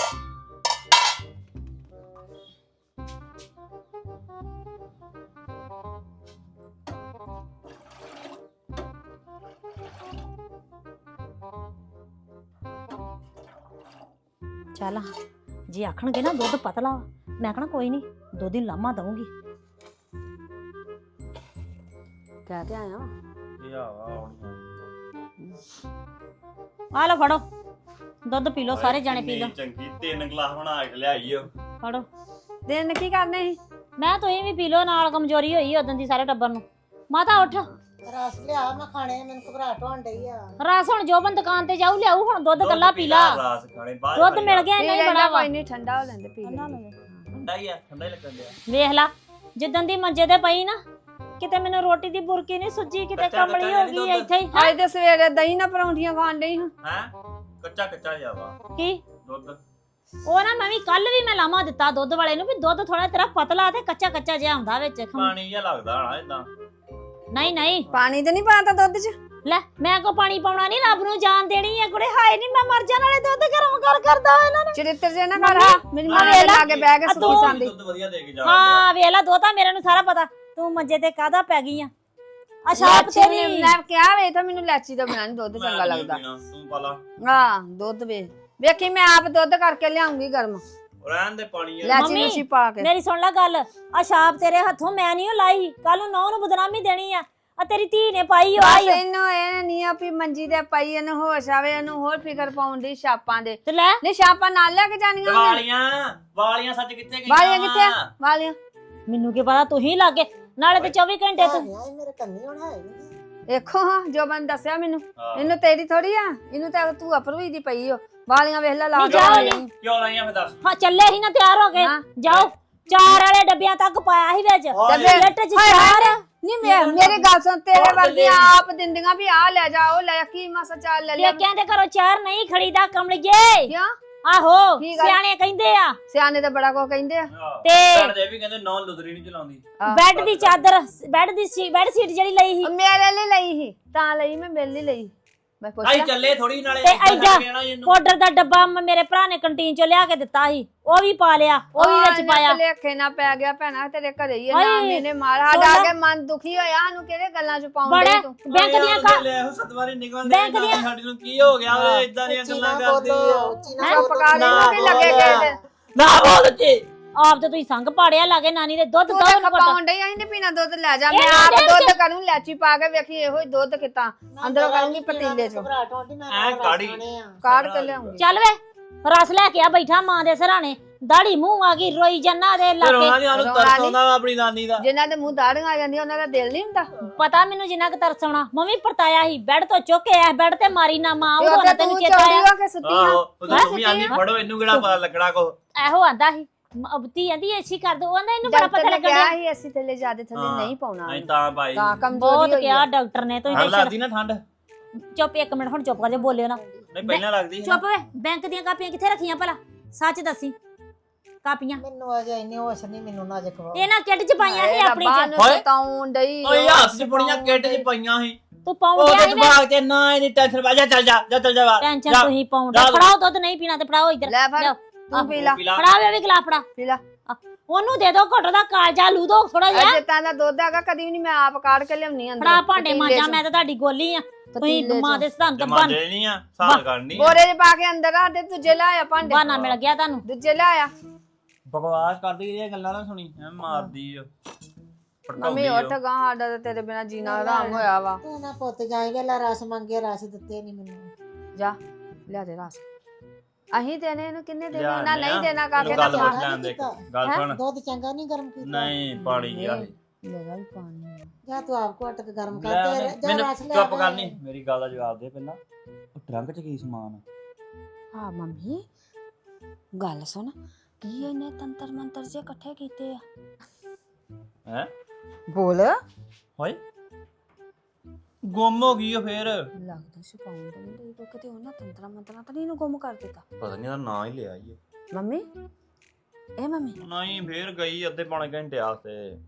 [SPEAKER 3] ਚੱਲ ਜੇ ਆਖਣਗੇ ਨਾ ਦੁੱਧ ਪਤਲਾ ਵਾ, ਮੈਂ ਕਹਣਾ ਕੋਈ ਨਹੀਂ ਦੁੱਧ ਹੀ ਲਾਮਾ ਦਊਂਗੀ।
[SPEAKER 2] ਕਹਿ ਤੇ ਆਇਆ
[SPEAKER 1] ਇਹ ਆ
[SPEAKER 3] ਆ ਲਓ ਫੜੋ ਦੁੱਧ ਪੀ ਲਓ, ਸਾਰੇ ਜਾਣੇ ਪੀ ਲਓ।
[SPEAKER 1] ਚੰਗੀ 3 ਗਲਾਸ ਬਣਾ ਕੇ ਲਿਆਈ ਓ।
[SPEAKER 3] ਫੜੋ
[SPEAKER 2] ਦਿਨ ਕੀ ਕਰਨੇ ਸੀ?
[SPEAKER 3] ਮੈਂ ਤੁਸੀਂ ਵੀ ਪੀ ਲਓ, ਨਾਲ ਕਮਜ਼ੋਰੀ ਹੋਈ ਉਦੋਂ ਦੀ ਸਾਰੇ ਟੱਬਰ ਨੂੰ। ਮਾਤਾ ਉੱਠ,
[SPEAKER 5] ਰਸ ਲਿਆ, ਮੈਂ ਖਾਣੇ, ਮੈਨੂੰ ਘਬਰਾਹਟ ਹੋਣ ਡਈ ਆ।
[SPEAKER 3] ਰਸ ਹੁਣ ਜੋਬਨ ਦੁਕਾਨ ਤੇ ਜਾਊ ਲਿਆਊ, ਹੁਣ ਦੁੱਧ ਕੱਲਾ ਪੀ ਲਾ।
[SPEAKER 1] ਰਾਸ ਖਾਣੇ ਬਾਹਰ
[SPEAKER 3] ਦੁੱਧ ਮਿਲ ਗਿਆ ਇੰਨਾ ਹੀ ਬੜਾ ਵਾ।
[SPEAKER 2] ਕੋਈ ਨਹੀਂ, ਠੰਡਾ ਹੋ ਲੈਂਦੇ ਪੀ ਲੈਂਦੇ।
[SPEAKER 1] ਠੰਡਾ ਹੀ ਆ, ਠੰਡਾ ਹੀ ਲੱਗਣ ਡਿਆ।
[SPEAKER 3] ਵੇਖ ਲਾ ਜਿੱਦਣ ਦੀ ਮੰਜੇ ਤੇ ਪਈ ਨਾ, ਕਿਤੇ ਮੈਨੂੰ ਰੋਟੀ ਦੀ ਬੁਰਕੀ ਨਹੀਂ ਸੁੱਜੀ, ਕਿਤੇ
[SPEAKER 1] ਕੱਚਾ
[SPEAKER 3] ਕਮਲੀ ਹੋ ਗਈ ਇੱਥੇ ਹੀ।
[SPEAKER 2] ਅੱਜ ਤੇ ਸਵੇਰੇ ਦਹੀਂ ਨਾਲ ਪਰੌਂਠੀਆਂ ਖਾਣ ਡਈ ਹਾਂ।
[SPEAKER 1] ਹੈ ਕੱਚਾ ਜਾਵਾ
[SPEAKER 3] ਕੀ
[SPEAKER 1] ਦੁੱਧ
[SPEAKER 3] ਉਹ ਨਾ ਮੈਂ ਵੀ ਕੱਲ ਵੀ ਮੈਂ ਲਾਮਾ ਦਿੱਤਾ ਦੁੱਧ ਵਾਲੇ ਨੂੰ ਵੀ ਦੁੱਧ ਥੋੜਾ ਤੇਰਾ ਪਤਲਾ ਤੇ ਕੱਚਾ ਜਿਹਾ ਹੁੰਦਾ ਵਿੱਚ।
[SPEAKER 1] ਪਾਣੀ ਜਿਹਾ ਲੱਗਦਾ ਹਣਾ ਇਦਾਂ।
[SPEAKER 3] ਨਹੀਂ
[SPEAKER 2] ਪਾਣੀ ਤੇ ਨਹੀਂ ਪਾਤਾ ਦੁੱਧ 'ਚ?
[SPEAKER 3] ਲੈ ਮੈਂ ਕੋ ਪਾਣੀ ਪਾਉਣਾ ਨਹੀਂ, ਰੱਬ ਨੂੰ ਜਾਨ ਦੇਣੀ ਹੈ ਕੁੜੇ। ਹਾਏ ਨਹੀਂ ਮੈਂ ਮਰ ਜਾਣ ਵਾਲੇ ਦੁੱਧ ਗਰਮ ਕਰਦਾ ਇਹਨਾਂ ਨੇ।
[SPEAKER 2] ਚਰਿੱਤਰ ਜੇ ਨਾ ਕਰ, ਹਾਂ ਮੇਰੀ ਮਾਂ ਦੇ ਲਾਗੇ ਬਹਿ ਕੇ ਸੁੱਕੀ ਸੰਦੀ।
[SPEAKER 1] ਦੁੱਧ ਵਧੀਆ ਦੇ ਕੇ ਜਾ।
[SPEAKER 3] ਹਾਂ ਵੇਖ ਲਾ ਦੋਤਾ ਮੇਰੇ ਨੂੰ ਸਾਰਾ ਪਤਾ, ਤੂੰ ਮੰਜੇ ਤੇ ਕਾਹਦਾ ਪੈ ਗਈ ਆ। ਅਸ਼ਾਪ ਤੇਰੀ
[SPEAKER 2] ਮੈਂ ਕਿਹਾ ਵੇ ਤਾਂ ਮੈਨੂੰ ਲੈਚੀ ਦਾ ਬਿਨਾਂ ਨੀ ਦੁੱਧ ਚੰਗਾ ਲੱਗਦਾ।
[SPEAKER 1] ਤੂੰ ਪਾਲਾ
[SPEAKER 2] ਹਾਂ ਦੁੱਧ ਵੇਖੀ ਮੈਂ ਆਪ ਦੁੱਧ ਕਰਕੇ ਲਿਆਉਂਗੀ ਗਰਮ,
[SPEAKER 1] ਰਹਿਣ ਦੇ ਪਾਣੀ ਆ।
[SPEAKER 2] ਲੈਚੀ ਨੂਚੀ ਪਾ ਕੇ।
[SPEAKER 3] ਮੇਰੀ ਸੁਣ ਲੈ ਗੱਲ, ਅਸ਼ਾਪ ਤੇਰੇ ਹੱਥੋਂ ਮੈਂ ਨਹੀਂ ਲਾਈ, ਕੱਲ ਨੂੰ ਨੌ ਨੂੰ ਬਦਨਾਮੀ ਦੇਣੀ ਆ ਤੇਰੀ ਧੀ ਨੇ ਪਾਈ।
[SPEAKER 2] ਬਸ ਇਹਨੂੰ ਇਹ ਨਹੀਂ ਆ ਵੀ ਮੰਜੀ ਤੇ ਪਈ, ਇਹਨੂੰ ਹੋਸ਼ ਆਵੇ, ਇਹਨੂੰ ਹੋਰ ਫਿਕਰ ਪਾਉਣ ਦੀ ਛਾਪਾਂ ਦੇ।
[SPEAKER 3] ਤੇ ਲੈ
[SPEAKER 2] ਨਹੀਂ ਛਾਪਾਂ ਨਾਲ ਲੈ ਕੇ ਜਾਣੀਆਂ
[SPEAKER 1] ਵਾਲੀਆਂ ਸੱਚ ਕਿੱਥੇ ਗਈਆਂ?
[SPEAKER 2] ਵਾਲੀਆਂ ਕਿੱਥੇ? ਵਾਲੀਆਂ
[SPEAKER 3] ਮੈਨੂੰ ਕੀ ਪਤਾ, ਤੂੰ ਹੀ ਲਾਗੇ ਨਾਲੇ ਤੇ 24 ਘੰਟੇ ਤੂੰ।
[SPEAKER 5] ਮੇਰੇ ਕੰਨੀ ਹੁਣ ਹੈ
[SPEAKER 2] ਦੇਖੋ ਹਾਂ ਜੋ ਬੰਦ ਦੱਸਿਆ ਮੈਨੂੰ, ਇਹਨੂੰ ਤੇਰੀ ਥੋੜੀ ਆ, ਇਹਨੂੰ ਤਾਂ ਤੂੰ ਅਪਰੂਈ ਦੀ ਪਈ ਓ। ਵਾਲੀਆਂ ਵੇਖ ਲੈ ਲਾ
[SPEAKER 3] ਨਹੀਂ ਜਾਓ ਨੀ।
[SPEAKER 1] ਕਿਉਂ ਲਾਈਆਂ ਫੇ ਦੱਸ?
[SPEAKER 3] ਹਾਂ ਚੱਲੇ ਹੀ ਨਾ ਤਿਆਰ ਹੋ ਗਏ, ਜਾਓ 4 ਵਾਲੇ ਡੱਬਿਆਂ ਤੱਕ ਪਾਇਆ ਸੀ ਵਿੱਚ ਲਿਟ ਚ 4।
[SPEAKER 2] ਨਹੀਂ ਮੇਰੀ ਗੱਲ ਸੁਣ, ਤੇਰੇ ਵਰਗੀਆਂ ਆਪ ਦਿੰਦੀਆਂ ਵੀ ਆ ਲੈ ਜਾ ਉਹ ਲੈ, ਕੀ ਮਸਾ ਚਾਲ ਲੈ ਲਿਆ।
[SPEAKER 3] ਕਹਿੰਦੇ ਕਰੋ 4 ਨਹੀਂ ਖੜੀਦਾ ਕਮਲੀਏ।
[SPEAKER 2] ਕਿਉਂ?
[SPEAKER 3] ਆਹੋ
[SPEAKER 2] ਕੀ ਗੱਲ?
[SPEAKER 3] ਸਿਆਣੇ ਕਹਿੰਦੇ ਆ,
[SPEAKER 2] ਸਿਆਣੇ ਤਾਂ ਬੜਾ ਕੋ ਕਹਿੰਦੇ ਆ।
[SPEAKER 3] ਤੇ
[SPEAKER 1] ਸਾਡੇ ਵੀ ਕਹਿੰਦੇ ਨੌ ਲੁਦਰੀ ਨਹੀਂ ਚਲਾਉਂਦੀ।
[SPEAKER 3] ਬੈੱਡ ਦੀ ਚਾਦਰ, ਬੈੱਡ ਸੀਟ ਜਿਹੜੀ ਲਈ ਸੀ
[SPEAKER 2] ਮੇਰੇ ਲਈ ਲਈ ਸੀ, ਤਾਂ ਲਈ ਮੈਂ ਮੇਰੇ ਲਈ ਲਈ। ਮੈਂ
[SPEAKER 1] ਆਈ
[SPEAKER 2] ਪੁੱਛਿਆ
[SPEAKER 1] ਚੱਲੇ ਥੋੜੀ ਨਾਲੇ
[SPEAKER 3] ਤੇ ਐਡਾ ਪਾਊਡਰ ਦਾ ਡੱਬਾ ਮੇਰੇ ਭਰਾ ਨੇ ਕੰਟੀਨ ਚੋਂ ਲਿਆ ਕੇ ਦਿੱਤਾ ਸੀ, ਉਹ ਵੀ ਪਾ ਲਿਆ, ਉਹ ਵੀ ਵਿੱਚ ਪਾਇਆ।
[SPEAKER 2] ਲੇਖੇ ਨਾ ਪੈ ਗਿਆ ਭੈਣਾ, ਤੇਰੇ ਘਰੇ ਹੀ
[SPEAKER 3] ਹਾਏ,
[SPEAKER 2] ਨਾਮ ਇਹਨੇ ਮਾਰ ਸਾਡਾ ਆ ਕੇ ਮਨ ਦੁਖੀ ਹੋਇਆ। ਸਾਨੂੰ ਕਿਹੜੇ ਗੱਲਾਂ ਚ ਪਾਉਂਦੇ ਤੂੰ?
[SPEAKER 3] ਬੈਂਕ ਦੀਆਂ
[SPEAKER 1] ਲੈ ਸਤਵਾਰੀ ਨਿਕਲਦੇ ਸਾਡੀ ਨੂੰ ਕੀ ਹੋ ਗਿਆ ਓਏ, ਇਦਾਂ ਦੀਆਂ ਗੱਲਾਂ ਕਰਦੀ ਆ।
[SPEAKER 2] ਚੁੱਪ ਕਰ, ਇਹਨੂੰ ਵੀ ਲੱਗੇ ਗਏ
[SPEAKER 1] ਨਾ ਬੋਲ ਕੇ
[SPEAKER 3] ਆਪ ਤੇ ਤੁਸੀਂ ਸੰਗ ਪਾੜਿਆ ਲਾਗੇ ਨਾਨੀ ਦੇ ਦੁੱਧ
[SPEAKER 2] ਤੂੰ
[SPEAKER 3] ਦੋ
[SPEAKER 2] ਤਾਂ ਖਪਾਉਣ ਡਈ, ਅਸੀਂ ਨੀ ਪੀਣਾ ਦੁੱਧ, ਲੈ ਜਾ। ਮੈਂ ਆਪ ਦੁੱਧ ਕਰੂੰ ਲੈਚੀ ਪਾ ਕੇ, ਵੇਖੀ ਇਹੋ ਹੀ ਦੁੱਧ ਕਿਤਾ ਅੰਦਰੋਂ ਕਰੂੰਗੀ ਪਤੀਲੇ ਚੋਂ
[SPEAKER 5] ਘਬਰਾਹਟ ਹੋਣ ਡਈ, ਮੈਂ
[SPEAKER 1] ਐ ਕਾੜੀ
[SPEAKER 2] ਕਾੜ ਕੇ ਲਿਆਉਂਗੀ।
[SPEAKER 3] ਚੱਲ ਵੇ ਰਸ ਲੈ ਕੇ ਆ, ਬੈਠਾ ਮਾਂ ਦੇ ਸਰਾਣੇ ਦਾੜੀ ਮੂੰਹ ਆ ਗਈ ਰੋਈ ਜਾਨਾ ਦੇ
[SPEAKER 1] ਤੇ ਰੋਣਾ
[SPEAKER 3] ਲਾਗੇ
[SPEAKER 1] ਨਹੀਂ ਸਾਨੂੰ
[SPEAKER 2] ਰੋਣਾ
[SPEAKER 1] ਤਰਸ
[SPEAKER 2] ਨੀ।
[SPEAKER 1] ਆਉਂਦਾ ਵਾ ਆਪਣੀ ਨਾਨੀ ਦਾ।
[SPEAKER 2] ਜਿਨ੍ਹਾਂ ਦੇ ਮੂੰਹ ਦਾੜੀਆਂ ਆ ਜਾਂਦੀਆਂ ਉਹਨਾਂ ਦਾ ਦਿਲ ਨਹੀਂ ਹੁੰਦਾ
[SPEAKER 3] ਪਤਾ ਮੈਨੂੰ ਜਿੰਨਾ ਕੁ ਤਰਸ ਆਉਣਾ ਮੰਮੀ ਪਰਤਾਇਆ ਸੀ ਬੈੱਡ ਤੋਂ ਚੁੱਕ ਕੇ ਆ ਬੈੱਡ ਤੇ ਮਾਰੀ ਨਾ ਮਾਂ
[SPEAKER 2] ਤੇ
[SPEAKER 3] ਉਦੋਂ
[SPEAKER 2] ਉਹਦੇ
[SPEAKER 3] ਨਾ ਤੈਨੂੰ
[SPEAKER 2] ਤੂੰ
[SPEAKER 3] ਚੇਤਾ
[SPEAKER 2] ਚੌੜੀ
[SPEAKER 3] ਆਇਆ
[SPEAKER 2] ਹੋ ਕੇ ਸੁੱਤੀ ਆ
[SPEAKER 1] ਆਹੋ ਉਹ ਤਾਂ
[SPEAKER 3] ਹੈਂ?
[SPEAKER 1] ਮੰਮੀ ਆਂਦੀ ਫੜੋ ਇਹਨੂੰ ਕਿਹੜਾ ਪਤਾ ਲੱਗਣਾ ਕੋ।
[SPEAKER 3] ਇਹੋ ਆਂਦਾ ਸੀ ਅਬਤੀ ਆਂਦੀ ਏਸੀ ਕਰ ਦੋ ਆਂਦਾ ਇਹਨੂੰ ਬੜਾ
[SPEAKER 2] ਡਾਕਟਰ
[SPEAKER 3] ਪਤਾ
[SPEAKER 2] ਨੇ
[SPEAKER 3] ਲੱਗਣ
[SPEAKER 2] ਕਿਹਾ
[SPEAKER 3] ਡਿਆ।
[SPEAKER 2] ਸੀ ਅਸੀਂ ਥੱਲੇ ਜ਼ਿਆਦਾ ਥੱਲੇ
[SPEAKER 1] ਹਾਂ।
[SPEAKER 2] ਨਹੀਂ ਪਾਉਣਾ
[SPEAKER 1] ਨਹੀਂ ਤਾਂ ਭਾਈ
[SPEAKER 2] ਤਾਂ
[SPEAKER 3] ਬਹੁਤ
[SPEAKER 2] ਕਮਜ਼ੋਰੀ ਹੋਈ
[SPEAKER 3] ਕਿਹਾ
[SPEAKER 2] ਆ
[SPEAKER 3] ਡਾਕਟਰ ਨੇ
[SPEAKER 1] ਠੰਡ
[SPEAKER 3] ਤੁਸੀਂ
[SPEAKER 1] ਲੱਗਦੀ ਨਾ ਠੰਡ।
[SPEAKER 3] ਚੁੱਪ ਇੱਕ ਮਿੰਟ ਹੁਣ ਚੁੱਪ ਕਰ ਜਾ ਬੋਲਿਓ ਨਾ
[SPEAKER 1] ਨਹੀਂ ਪਹਿਲਾਂ ਲੱਗਦੀ ਸੀ ਨਾ।
[SPEAKER 3] ਚੁੱਪ ਵੇ ਬੈਂਕ ਦੀਆਂ ਕਾਪੀਆਂ ਕਿੱਥੇ ਰੱਖੀਆਂ ਭਲਾ ਸੱਚ ਦੱਸੀ ਕਾਪੀਆਂ
[SPEAKER 5] ਮੈਨੂੰ ਅਜੇ ਇੰਨੀ ਹੋਸ਼ ਨਹੀਂ ਮੈਨੂੰ ਨਾ ਜਖਵਾ
[SPEAKER 3] ਇਹਨਾਂ ਕਿੱਟ ਚ ਪਾਈਆਂ ਸੀ
[SPEAKER 2] ਹਾਏ
[SPEAKER 3] ਆਪਣੀ
[SPEAKER 2] ਰੱਬਾ
[SPEAKER 3] ਚ
[SPEAKER 2] ਨੂੰ
[SPEAKER 1] ਹੋਏ।
[SPEAKER 2] ਸਤਾਉਣ ਡਈ
[SPEAKER 1] ਓਏ ਹੱਥ 'ਚ ਬੜੀਆਂ ਕਿੱਟ 'ਚ ਪਈਆਂ ਸੀ।
[SPEAKER 3] ਤੂੰ ਪਾਉਣ
[SPEAKER 1] ਉਹ
[SPEAKER 3] ਗਿਆ
[SPEAKER 1] ਤੇ
[SPEAKER 3] ਸੀ
[SPEAKER 1] ਦਿਮਾਗ ਤੇ ਨਾ ਇਹਦੀ ਟੈਨਸ਼ਨ ਪਾ ਜਾ ਚੱਲ ਜਾ ਚੱਲ ਜਾ ਬਾਹਰ।
[SPEAKER 3] ਟੈਨਸ਼ਨ
[SPEAKER 1] ਜਾ।
[SPEAKER 3] ਤੁਸੀਂ ਪਾਉਣ
[SPEAKER 1] ਜਾ।
[SPEAKER 3] ਫੜਾਓ ਦੁੱਧ ਨਹੀਂ ਪੀਣਾ ਤੇ ਫੜਾਓ ਇੱਧਰ
[SPEAKER 2] ਲੈ ਫੜ
[SPEAKER 3] ਲਿਆਓ।
[SPEAKER 2] ਤੂੰ ਪੀ ਲਾ
[SPEAKER 3] ਫੜਾ ਵੇ ਵੀ ਗਲਾ ਫੜਾ
[SPEAKER 2] ਪੀ ਲਾ
[SPEAKER 3] ਉਹਨੂੰ ਦੇ ਦੋ ਘੁੱਟ ਦਾ ਕਾਲਜਾ ਲੂ ਦੋ ਥੋੜਾ ਜਿਹਾ
[SPEAKER 2] ਅਜੇ ਤਾਂ ਦਾ ਦੁੱਧ ਹੈਗਾ ਕਦੀ ਵੀ ਨਹੀਂ ਮੈਂ ਆਪ ਕਾੜ ਕੇ ਲਿਆਉਣੀ ਅੰਦਰ
[SPEAKER 3] ਫੜਾ ਭਾਂਡੇ ਮਾਂਜਾ ਮੈਂ ਤਾਂ ਤੁਹਾਡੀ ਗੋਲੀ ਆ ਤੁਸੀਂ ਮਾਂ ਦੇ ਸਿਧਾਂਤ ਬਣ
[SPEAKER 1] ਜਮਾਂਦੇ ਨਹੀਂ ਆ ਸਾਲ ਕਰਨੀ
[SPEAKER 2] ਬੋਰੇ 'ਚ ਪਾ ਕੇ ਅੰਦਰ ਆ ਦੇ ਦੂਜੇ ਲਾਇਆ ਭਾਂਡੇ
[SPEAKER 3] ਬਹਾਨਾ ਮਿਲ ਗਿਆ ਤੁਹਾਨੂੰ
[SPEAKER 2] ਦੂਜੇ ਲਾਇਆ
[SPEAKER 1] ਬਕਵਾਸ ਕਰਦੀ ਇਹ ਗੱਲਾਂ ਨਾ ਸੁਣੀ ਐ ਮਾਰਦੀ ਓ
[SPEAKER 2] ਮੰਮੀ ਉੱਠ ਗਾ ਸਾਡਾ ਤਾਂ ਤੇਰੇ ਬਿਨਾ ਜੀਣਾ ਆਰਾਮ ਹੋਇਆ ਵਾ
[SPEAKER 5] ਤੂੰ ਨਾ ਪੁੱਤ ਜਾਈ ਵੇਲਾ ਰਸ ਮੰਗੇ ਰਸ ਦਿੱਤੇ ਨਹੀਂ ਮੈਨੂੰ
[SPEAKER 2] ਜਾ ਲਿਆ ਦੇ ਰਸ ਅਹੀਂ ਦੇਣੇ ਇਹਨੂੰ ਕਿੰਨੇ ਦੇਣੇ
[SPEAKER 1] ਲਿਆ
[SPEAKER 2] ਉਹਨਾਂ ਨਹੀਂ
[SPEAKER 1] ਲਿਆ।
[SPEAKER 2] ਦੇਣਾ ਕਾਕੇ
[SPEAKER 1] ਗੱਲ
[SPEAKER 2] ਦਾ
[SPEAKER 1] ਪੁੱਛ
[SPEAKER 2] ਖਾ
[SPEAKER 1] ਲੈਣ ਦੇ ਇੱਕ। ਗੱਲ ਸੁਣ
[SPEAKER 5] ਦੁੱਧ ਚੰਗਾ ਨਹੀਂ ਗਰਮ ਕੀਤਾ
[SPEAKER 1] ਨਹੀਂ ਪਾਣੀ ਗਿਆ
[SPEAKER 2] ਮੇਰਾ ਵੀ ਪਾਣੀ ਆ।
[SPEAKER 5] ਜਾ ਤੂੰ ਆਪ ਘੁੱਟ ਕੇ ਗਰਮ ਕਰ
[SPEAKER 1] ਲੈ
[SPEAKER 5] ਤੇ
[SPEAKER 1] ਉਹਨੇ-
[SPEAKER 5] ਜਾ
[SPEAKER 1] ਮੈਨੂੰ
[SPEAKER 5] ਰਸ ਲੈ
[SPEAKER 1] ਚੁੱਪ ਕਰ ਨਹੀਂ ਮੇਰੀ ਗੱਲ ਦਾ ਜਵਾਬ ਦੇ ਪਹਿਲਾਂ ਉਹ ਟਰੰਕ 'ਚ ਕੀ ਸਮਾਨ ਆ?
[SPEAKER 2] ਹਾਂ ਮੰਮੀ ਗੱਲ ਸੁਣ ਕੀ ਇਹਨੇ ਤੰਤਰ ਮੰਤਰ ਜੇ ਇਕੱਠੇ ਕੀਤੇ ਆ
[SPEAKER 1] ਹੈ
[SPEAKER 2] ਬੋਲ
[SPEAKER 1] ਹੋਏ ਗੁੰਮ ਹੋ ਗਈ ਉਹ ਫੇਰ
[SPEAKER 2] ਲੱਗਦਾ ਛਪਾਉਣ ਦਾ ਨਹੀਂ ਕੋਈ ਕਿਤੇ ਉਹਨਾਂ ਤੰਤਰਾਂ ਮੰਤਰਾਂ ਤਾਂ ਨਹੀਂ ਇਹਨੂੰ ਗੁੰਮ ਕਰ ਦਿੱਤਾ
[SPEAKER 1] ਪਤਾ ਨਹੀਂ ਇਹਦਾ ਨਾਂ ਹੀ ਲਿਆ ਈ
[SPEAKER 2] ਮੰਮੀ ਇਹ ਮੰਮੀ
[SPEAKER 1] ਨਹੀਂ ਫੇਰ ਗਈ ਅੱਧੇ ਪੌਣੇ ਘੰਟੇ ਆਸਤੇ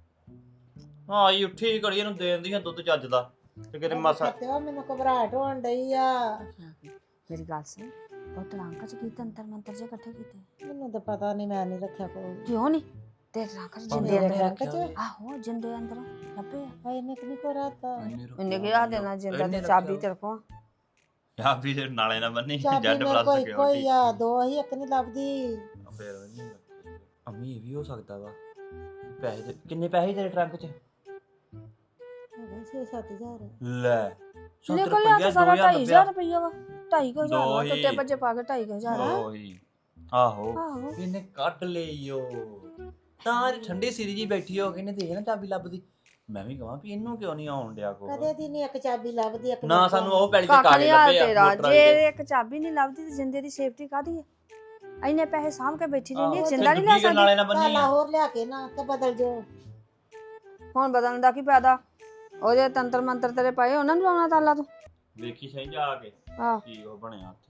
[SPEAKER 1] ਆਈ ਉੱਠੀ ਘੜੀ ਇਹਨੂੰ ਦੇਣ ਦੀਆਂ ਦੁੱਧ ਚੱਜ ਦਾ ਤੇ ਕਿਤੇ ਮਾਸਾ
[SPEAKER 5] ਤੇ ਉਹ ਮੈਨੂੰ ਘਬਰਾਹਟ ਹੋਣ ਡਈ ਆ
[SPEAKER 2] ਮੇਰੀ ਗੱਲ ਸੁਣ ਉਹ ਟਰੰਕ ਚ ਕੀ ਤੰਤਰ ਮੰਤਰ ਜੇ ਇਕੱਠੇ ਕੀਤੇ
[SPEAKER 5] ਮੈਨੂੰ ਤਾਂ ਪਤਾ ਨਹੀਂ ਮੈਂ ਨਹੀਂ ਰੱਖਿਆ ਕੋਈ
[SPEAKER 2] ਕਿਉਂ ਨਹੀਂ ਤੇ ਟਰੰਕ ਚ ਜਿੰਦੇ
[SPEAKER 5] ਮੇਰੇ
[SPEAKER 2] ਅੰਦਰ
[SPEAKER 5] ਟਰੰਕ ਚ
[SPEAKER 2] ਆਹੋ ਜਿੰਦੇ ਅੰਦਰ ਲੱਭੇ ਆ
[SPEAKER 5] ਹਾਏ ਨਿਕ ਨਹੀਂ ਕੋ ਰਾਤਾ
[SPEAKER 2] ਉਹਨੇ ਕਿਹਾ ਦੇਣਾ ਜਿੰਦਾ ਤੇ ਚਾਬੀ ਤੇਰੇ ਕੋਲ
[SPEAKER 1] ਯਾ ਵੀ ਤੇ ਨਾਲੇ ਨਾ ਬੰਨੀ
[SPEAKER 5] ਚਾਬੀ
[SPEAKER 1] ਜੱਡ
[SPEAKER 5] ਮੇਰੇ
[SPEAKER 1] ਪਲੱਸ
[SPEAKER 5] ਕੋਈ
[SPEAKER 1] ਸਿਕਿਉਰਿਟੀ
[SPEAKER 5] ਆ ਦੋ ਹੀ ਇੱਕ ਨਹੀਂ ਲੱਭਦੀ
[SPEAKER 1] ਫੇਰ ਨਹੀਂ ਅੰਮੀ ਇਹ ਵੀ ਹੋ ਸਕਦਾ ਵਾ ਪੈਸੇ ਕਿੰਨੇ ਪੈਸੇ ਤੇਰੇ ਟਰੰਕ 'ਚ
[SPEAKER 5] ਹੈਗਾ 6-7 ਹਜ਼ਾਰ
[SPEAKER 1] ਲੈ
[SPEAKER 2] ਨਿਕਲ ਲਿਆ ਤਾਂ ਸਾਰਾ 2.5 ਰੁਪਈਆ ਵਾ 2.5
[SPEAKER 1] ਦੋ
[SPEAKER 2] ਹਜ਼ਾਰ
[SPEAKER 1] ਹੀ।
[SPEAKER 2] ਟੁੱਟੇ ਭੱਜੇ ਪਾ ਕੇ 2.5 ਹਜ਼ਾਰ
[SPEAKER 1] ਓਏ ਆਹੋ
[SPEAKER 2] ਆਹੋ
[SPEAKER 1] ਇਹਨੇ ਕੱਢ ਲਈਓ ਤਾਂ ਇਹ ਠੰਡੀ ਸਿਰੀ ਜੀ ਬੈਠੀ ਹੋ ਕੇ ਇਹਨੇ ਦੇਖ ਨਾ ਚਾਬੀ ਲੱਭਦੀ ਮੈਂ ਵੀ ਕਹਾਂ ਵੀ ਇਹਨੂੰ ਕਿਉਂ ਨਹੀਂ ਆਉਣ ਡਿਆ ਕੋ
[SPEAKER 5] ਕਦੇ ਦੀ ਨਹੀਂ ਇੱਕ ਚਾਬੀ ਲੱਭਦੀ ਇੱਕ
[SPEAKER 1] ਨਾ ਸਾਨੂੰ ਉਹ ਪੈਲੀ ਦੇ
[SPEAKER 2] ਕਾਕਾ
[SPEAKER 1] ਕਾਗਜ਼
[SPEAKER 2] ਨਹੀਂ ਹਾਲ
[SPEAKER 1] ਲੱਭੇ ਆ
[SPEAKER 2] ਤੇਰਾ
[SPEAKER 1] ਮੋਟਰ
[SPEAKER 2] ਜੇ
[SPEAKER 1] ਵਾਲੇ
[SPEAKER 2] ਇੱਕ ਚਾਬੀ ਨਹੀਂ ਲੱਭਦੀ ਤੇ ਜਿੰਦੇ ਦੀ ਸੇਫਟੀ ਕਾਦੀ ਹੈ ਐਨੇ ਪੈਸੇ ਸਾਂਭ ਕੇ ਬੈਠੀ ਰਹਿੰਦੀ ਹੈ,
[SPEAKER 1] ਆਹੋ,
[SPEAKER 2] ਜਿੰਦਾ ਨਹੀਂ ਲੈ
[SPEAKER 1] ਦੂਜੀ ਗੱਲ
[SPEAKER 2] ਸਕਦੀ
[SPEAKER 1] ਨਾਲੇ ਨਾ ਬੰਨੀ
[SPEAKER 5] ਤਾਲਾ
[SPEAKER 1] ਆ
[SPEAKER 5] ਹੋਰ ਲਿਆ ਕੇ ਨਾ ਤੇ ਬਦਲ ਜੋ
[SPEAKER 2] ਹੁਣ ਬਦਲਣ ਦਾ ਕੀ ਫਾਇਦਾ ਉਹਦੇ ਤੰਤਰ ਮੰਤਰ ਤੇਰੇ ਪਏ ਉਹਨਾਂ ਨੂੰ ਲਾਉਣਾ ਤਾਲਾ ਤੂੰ
[SPEAKER 1] ਵੇਖੀ ਸਹੀ ਜਾ ਕੇ
[SPEAKER 2] ਆਹ
[SPEAKER 1] ਕੀ ਉਹ ਬਣਿਆ ਉੱਥੇ